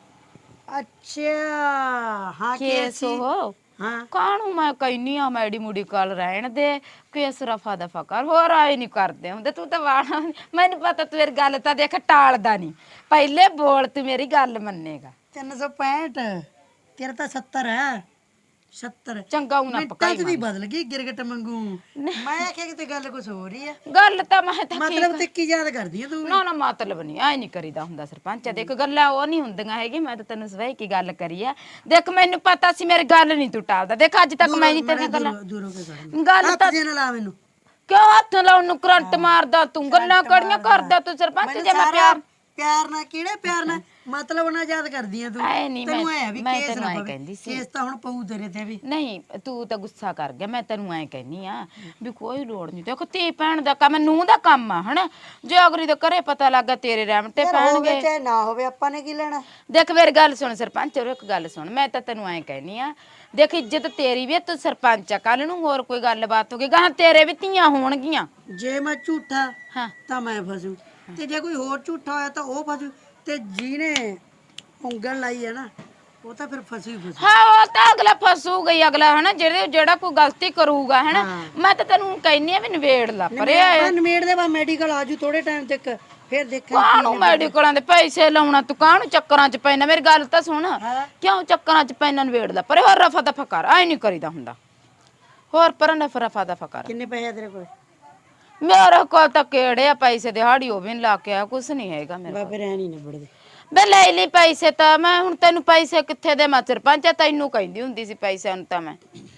S3: ਅੱਛਾ ਹਾਂ
S1: ਕੇਸ ਉਹ
S3: ਹਾਂ
S1: ਕਾਹਨੂੰ ਮੈਂ ਕਹਿਨੀ ਆ ਮੈਡੀ ਮੁੜੀ ਕੱਲ ਰਹਿਣ ਦੇ, ਕੇਸ ਰਫਾ ਦਫਾ ਕਰ, ਹੋਰ ਆਏ ਨਹੀਂ ਕਰਦੇ ਹੁੰਦੇ। ਤੂੰ ਤਾਂ ਵਾਣਾ, ਮੈਨੂੰ ਪਤਾ ਤੂੰ ਮੇਰੀ ਗੱਲ ਤਾਂ ਦੇਖ ਟਾਲਦਾ ਨਹੀਂ, ਪਹਿਲੇ ਬੋਲ ਤੂੰ ਮੇਰੀ ਗੱਲ ਮੰਨੇਗਾ।
S3: ਤਿੰਨ ਸੌ ਪੈਂਹਠ ਤੇਰਾ ਤਾਂ ਸੱਤਰ ਹੈ। ਸੱਤਰ
S1: ਚੰਗਾ ਉਹ ਨਾ ਪਕਾਈ
S3: ਦੀ ਬਦਲ ਗਈ ਗਿਰਗਟ ਮੰਗੂ। ਮੈਂ ਆਖਿਆ ਕਿਤੇ ਗੱਲ ਕੁਛ ਹੋ ਰਹੀ ਹੈ।
S1: ਗੱਲ ਤਾਂ ਮੈਂ ਤਾਂ
S3: ਮਤਲਬ ਤੇ ਕੀ ਯਾਦ ਕਰਦੀ ਹੈ ਤੂੰ?
S1: ਨਾ ਨਾ ਮਤਲਬ ਨਹੀਂ, ਐ ਨਹੀਂ ਕਰੀਦਾ ਹੁੰਦਾ ਸਰਪੰਚ। ਦੇਖ ਗੱਲਾਂ ਉਹ ਨਹੀਂ ਹੁੰਦੀਆਂ ਹੈਗੀ, ਮੈਂ ਤਾਂ ਤੈਨੂੰ ਸਵੇਈ ਕੀ ਗੱਲ ਕਰੀ ਆ। ਦੇਖ ਮੈਨੂੰ ਪਤਾ ਸੀ ਮੇਰੀ ਗੱਲ ਨਹੀਂ ਤੂੰ ਟਾਲਦਾ। ਦੇਖ ਅੱਜ ਤੱਕ ਮੈਂ ਨਹੀਂ ਤੇਰੀਆਂ ਗੱਲਾਂ
S3: ਦੂਰੋਂ ਕੇ ਕਰ
S1: ਗੱਲ ਤਾਂ
S3: ਜੇ ਨਾ ਲਾ ਮੈਨੂੰ।
S1: ਕਿਉਂ ਹੱਥ ਲਾਉਣ ਨੂੰ ਕਰੰਟ ਮਾਰਦਾ ਤੂੰ? ਗੱਲਾਂ ਕੜੀਆਂ ਕਰਦਾ ਤੂੰ ਸਰਪੰਚ। ਜੇ ਮੈਂ ਪਿਆਰ
S3: ਪਿਆਰ ਨਾਲ ਕਿਹੜੇ ਪਿਆਰ ਨਾਲ ਮਤਲਬ ਨਾਲ ਯਾਦ ਕਰਦੀ ਆ ਤੂੰ?
S1: ਐ ਨਹੀਂ,
S3: ਤੈਨੂੰ
S1: ਮੈਂ
S3: ਐ ਵੀ
S1: ਮੈਂ
S3: ਕੇਸ
S1: ਤੈਨੂੰ
S3: ਨਾ
S1: ਐ
S3: ਪਵੇ।
S1: ਕਹਿੰਦੀ ਸੀ,
S3: ਕੇਸ ਤਾਂ ਹੁਣ ਪਊ ਤੇਰੇ ਤੇ ਵੀ।
S1: ਨਹੀਂ ਤੂੰ ਤਾਂ ਗੁੱਸਾ ਕਰ ਗਿਆ। ਮੈਂ ਤੈਨੂੰ ਐ ਕਹਿੰਨੀ ਆ ਵੀ ਕੋਈ ਲੋੜ ਨਹੀਂ। ਦੇਖੋ ਧੀ ਭੈਣ ਦਾ ਕੰਮ, ਨੂੰਹ ਦਾ ਕੰਮ ਆ ਹਨਾ। ਜੇ ਅਗਰੀ ਦੇ ਘਰੇ ਪਤਾ ਲੱਗਾ ਤੇਰੇ ਰਹਿਮਟੇ ਪੈਣਗੇ।
S3: ਚਾਹੇ ਨਾ ਹੋਵੇ, ਆਪਾਂ ਨੇ ਕੀ ਲੈਣਾ?
S1: ਦੇਖ ਮੇਰੀ ਗੱਲ ਸੁਣ ਸਰਪੰਚ, ਉਹ ਇੱਕ ਗੱਲ ਸੁਣ, ਮੈਂ ਤਾਂ ਤੈਨੂੰ ਐ ਕਹਿਨੀ ਆ, ਦੇਖ ਇੱਜ਼ਤ ਤੇਰੀ ਵੀ, ਤੂੰ ਸਰਪੰਚ ਆ, ਕੱਲ ਨੂੰ ਹੋਰ ਕੋਈ ਗੱਲਬਾਤ ਹੋ ਗਈ ਗਾਂ ਤੇਰੇ ਵੀ ਧੀਆਂ ਹੋਣਗੀਆਂ।
S3: ਜੇ ਮੈਂ ਝੂਠਾ
S1: ਹਾਂ
S3: ਤਾਂ ਮੈਂ ਫਸੂ, ਤੇ ਜੇ ਕੋਈ ਹੋਰ ਝੂਠਾ ਹੋਇਆ ਤਾਂ ਉਹ ਫਸੂ, ਤੇ ਜਿਹਨੇ ਉਂਗਲ ਲਾਈ ਹੈ ਨਾ ਉਹ ਤਾਂ ਫਿਰ ਫਸੂ ਹੀ ਫਸੂ।
S1: ਹਾਂ ਉਹ ਤਾਂ ਅਗਲਾ ਫਸੂ ਗਈ ਅਗਲਾ ਹਨਾ, ਜਿਹੜੇ ਜਿਹੜਾ ਕੋਈ ਗਲਤੀ ਕਰੂਗਾ ਹਨਾ। ਮੈਂ ਤਾਂ ਤੈਨੂੰ ਕਹਿੰਨੀ ਆ ਵੀ ਨਵੇੜ ਲਾ ਪਰੇ।
S3: ਨਵੇੜ ਦੇ ਬਾ ਮੈਡੀਕਲ ਆਜੂ ਥੋੜੇ ਟਾਈਮ ਤੱਕ, ਫਿਰ ਦੇਖਾਂ।
S1: ਕਾਹਨੂੰ ਮੈਡੀਕਲਾਂ ਦੇ ਪੈਸੇ ਲਾਉਣਾ ਤੂੰ? ਕਾਹਨੂੰ ਚੱਕਰਾਂ ਚ ਪੈਣਾ? ਮੇਰੀ ਗੱਲ ਤਾਂ ਸੁਣ, ਕਿਉਂ ਚੱਕਰਾਂ ਚ ਪੈਣਾ? ਨਵੇੜ ਲਾ ਪਰੇ, ਹੋਰ ਰਫਾ ਦਫਾ ਕਰ। ਐ ਨਹੀਂ ਕਰੀਦਾ ਹੁੰਦਾ, ਹੋਰ ਪਰ ਨਾ ਰਫਾ ਦਫਾ ਕਰ।
S3: ਕਿੰਨੇ ਪੈਸੇ ਆ ਤੇਰੇ ਕੋਲ?
S1: ਮੇਰੇ ਕੋਲ ਤਾਂ ਕਿਹੜੇ ਆ ਪੈਸੇ, ਦਿਹਾੜੀ ਉਹ ਵੀ ਨੀ ਲਾ ਕੇ ਆ, ਕੁਛ ਨਹੀਂ ਹੈਗਾ ਮੇਰੇ ਕੋਲ।
S3: ਫਿਰ ਐ ਨਹੀਂ ਨਿਬੜਦੇ।
S1: ਬੇ ਲੈ ਲਈ ਪੈਸੇ ਤਾਂ ਮੈਂ, ਹੁਣ ਤੈਨੂੰ ਪੈਸੇ ਕਿੱਥੇ ਦੇ? ਮੈਂ ਸਰਪੰਚ ਤੈਨੂੰ ਕਹਿੰਦੀ ਹੁੰਦੀ ਸੀ ਪੈਸਿਆਂ ਨੂੰ ਤਾਂ ਮੈਂ।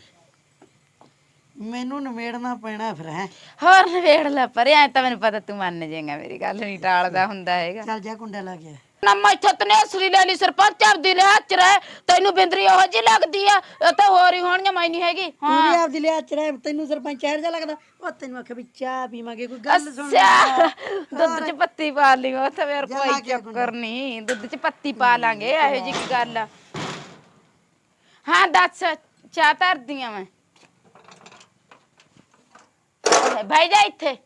S3: ਮੈਨੂੰ ਨਵੇੜਨਾ ਪੈਣਾ ਫਿਰ ਹੈ।
S1: ਹੋਰ ਨਵੇੜ ਲੈ ਪਰੇ, ਐ ਤਾਂ ਮੈਨੂੰ ਪਤਾ ਤੂੰ ਮੰਨ ਜਾਏਗਾ, ਮੇਰੀ ਗੱਲ ਨਹੀਂ ਟਾਲਦਾ ਹੁੰਦਾ ਹੈਗਾ।
S3: ਚੱਲ ਜਾ ਕੁੰਡਾ ਲਾ ਗਿਆ
S1: ਨਾ ਮੈਂ ਤਨੇ ਅਸਲੀ ਲੈ ਲਈ ਸਰਪੰਚ, ਆਪਦੀ ਲੈ ਹੱਥ ਰਹਿ। ਤੈਨੂੰ ਬਿੰਦਰੀ ਉਹੋ ਜੀ ਲੱਗਦੀ ਆ, ਇਹ ਤਾਂ ਹੋਰ ਹੀ ਹੋਣੀਆਂ, ਮੈਂ ਨਹੀਂ ਹੈਗੀ।
S3: ਤੂੰ ਵੀ ਆਪਦੀ ਲਿਆ ਚ ਰਹਿ, ਤੈਨੂੰ ਸਰਪੰਚ ਇਹੋ ਜਿਹਾ ਲੱਗਦਾ? ਉਹ ਤੈਨੂੰ ਆਖਿਆ ਵੀ ਚਾਹ ਪੀਵਾਂਗੇ, ਕੋਈ ਗੱਲ ਸੁਣ।
S1: ਅੱਛਾ ਦੁੱਧ ਚ ਪੱਤੀ ਪਾ ਲਈ, ਉਹ ਤਾਂ ਫਿਰ ਕੋਈ ਚੱਕਰ ਨਹੀਂ, ਦੁੱਧ ਚ ਪੱਤੀ ਪਾ ਲਾਂਗੇ, ਇਹੋ ਜੀ ਕੀ ਗੱਲ ਆ। ਹਾਂ ਦੱਸ, ਚਾਹ ਧਰਦੀ ਆ ਮੈਂ। ਬਹਿ ਜਾ ਇੱਥੇ।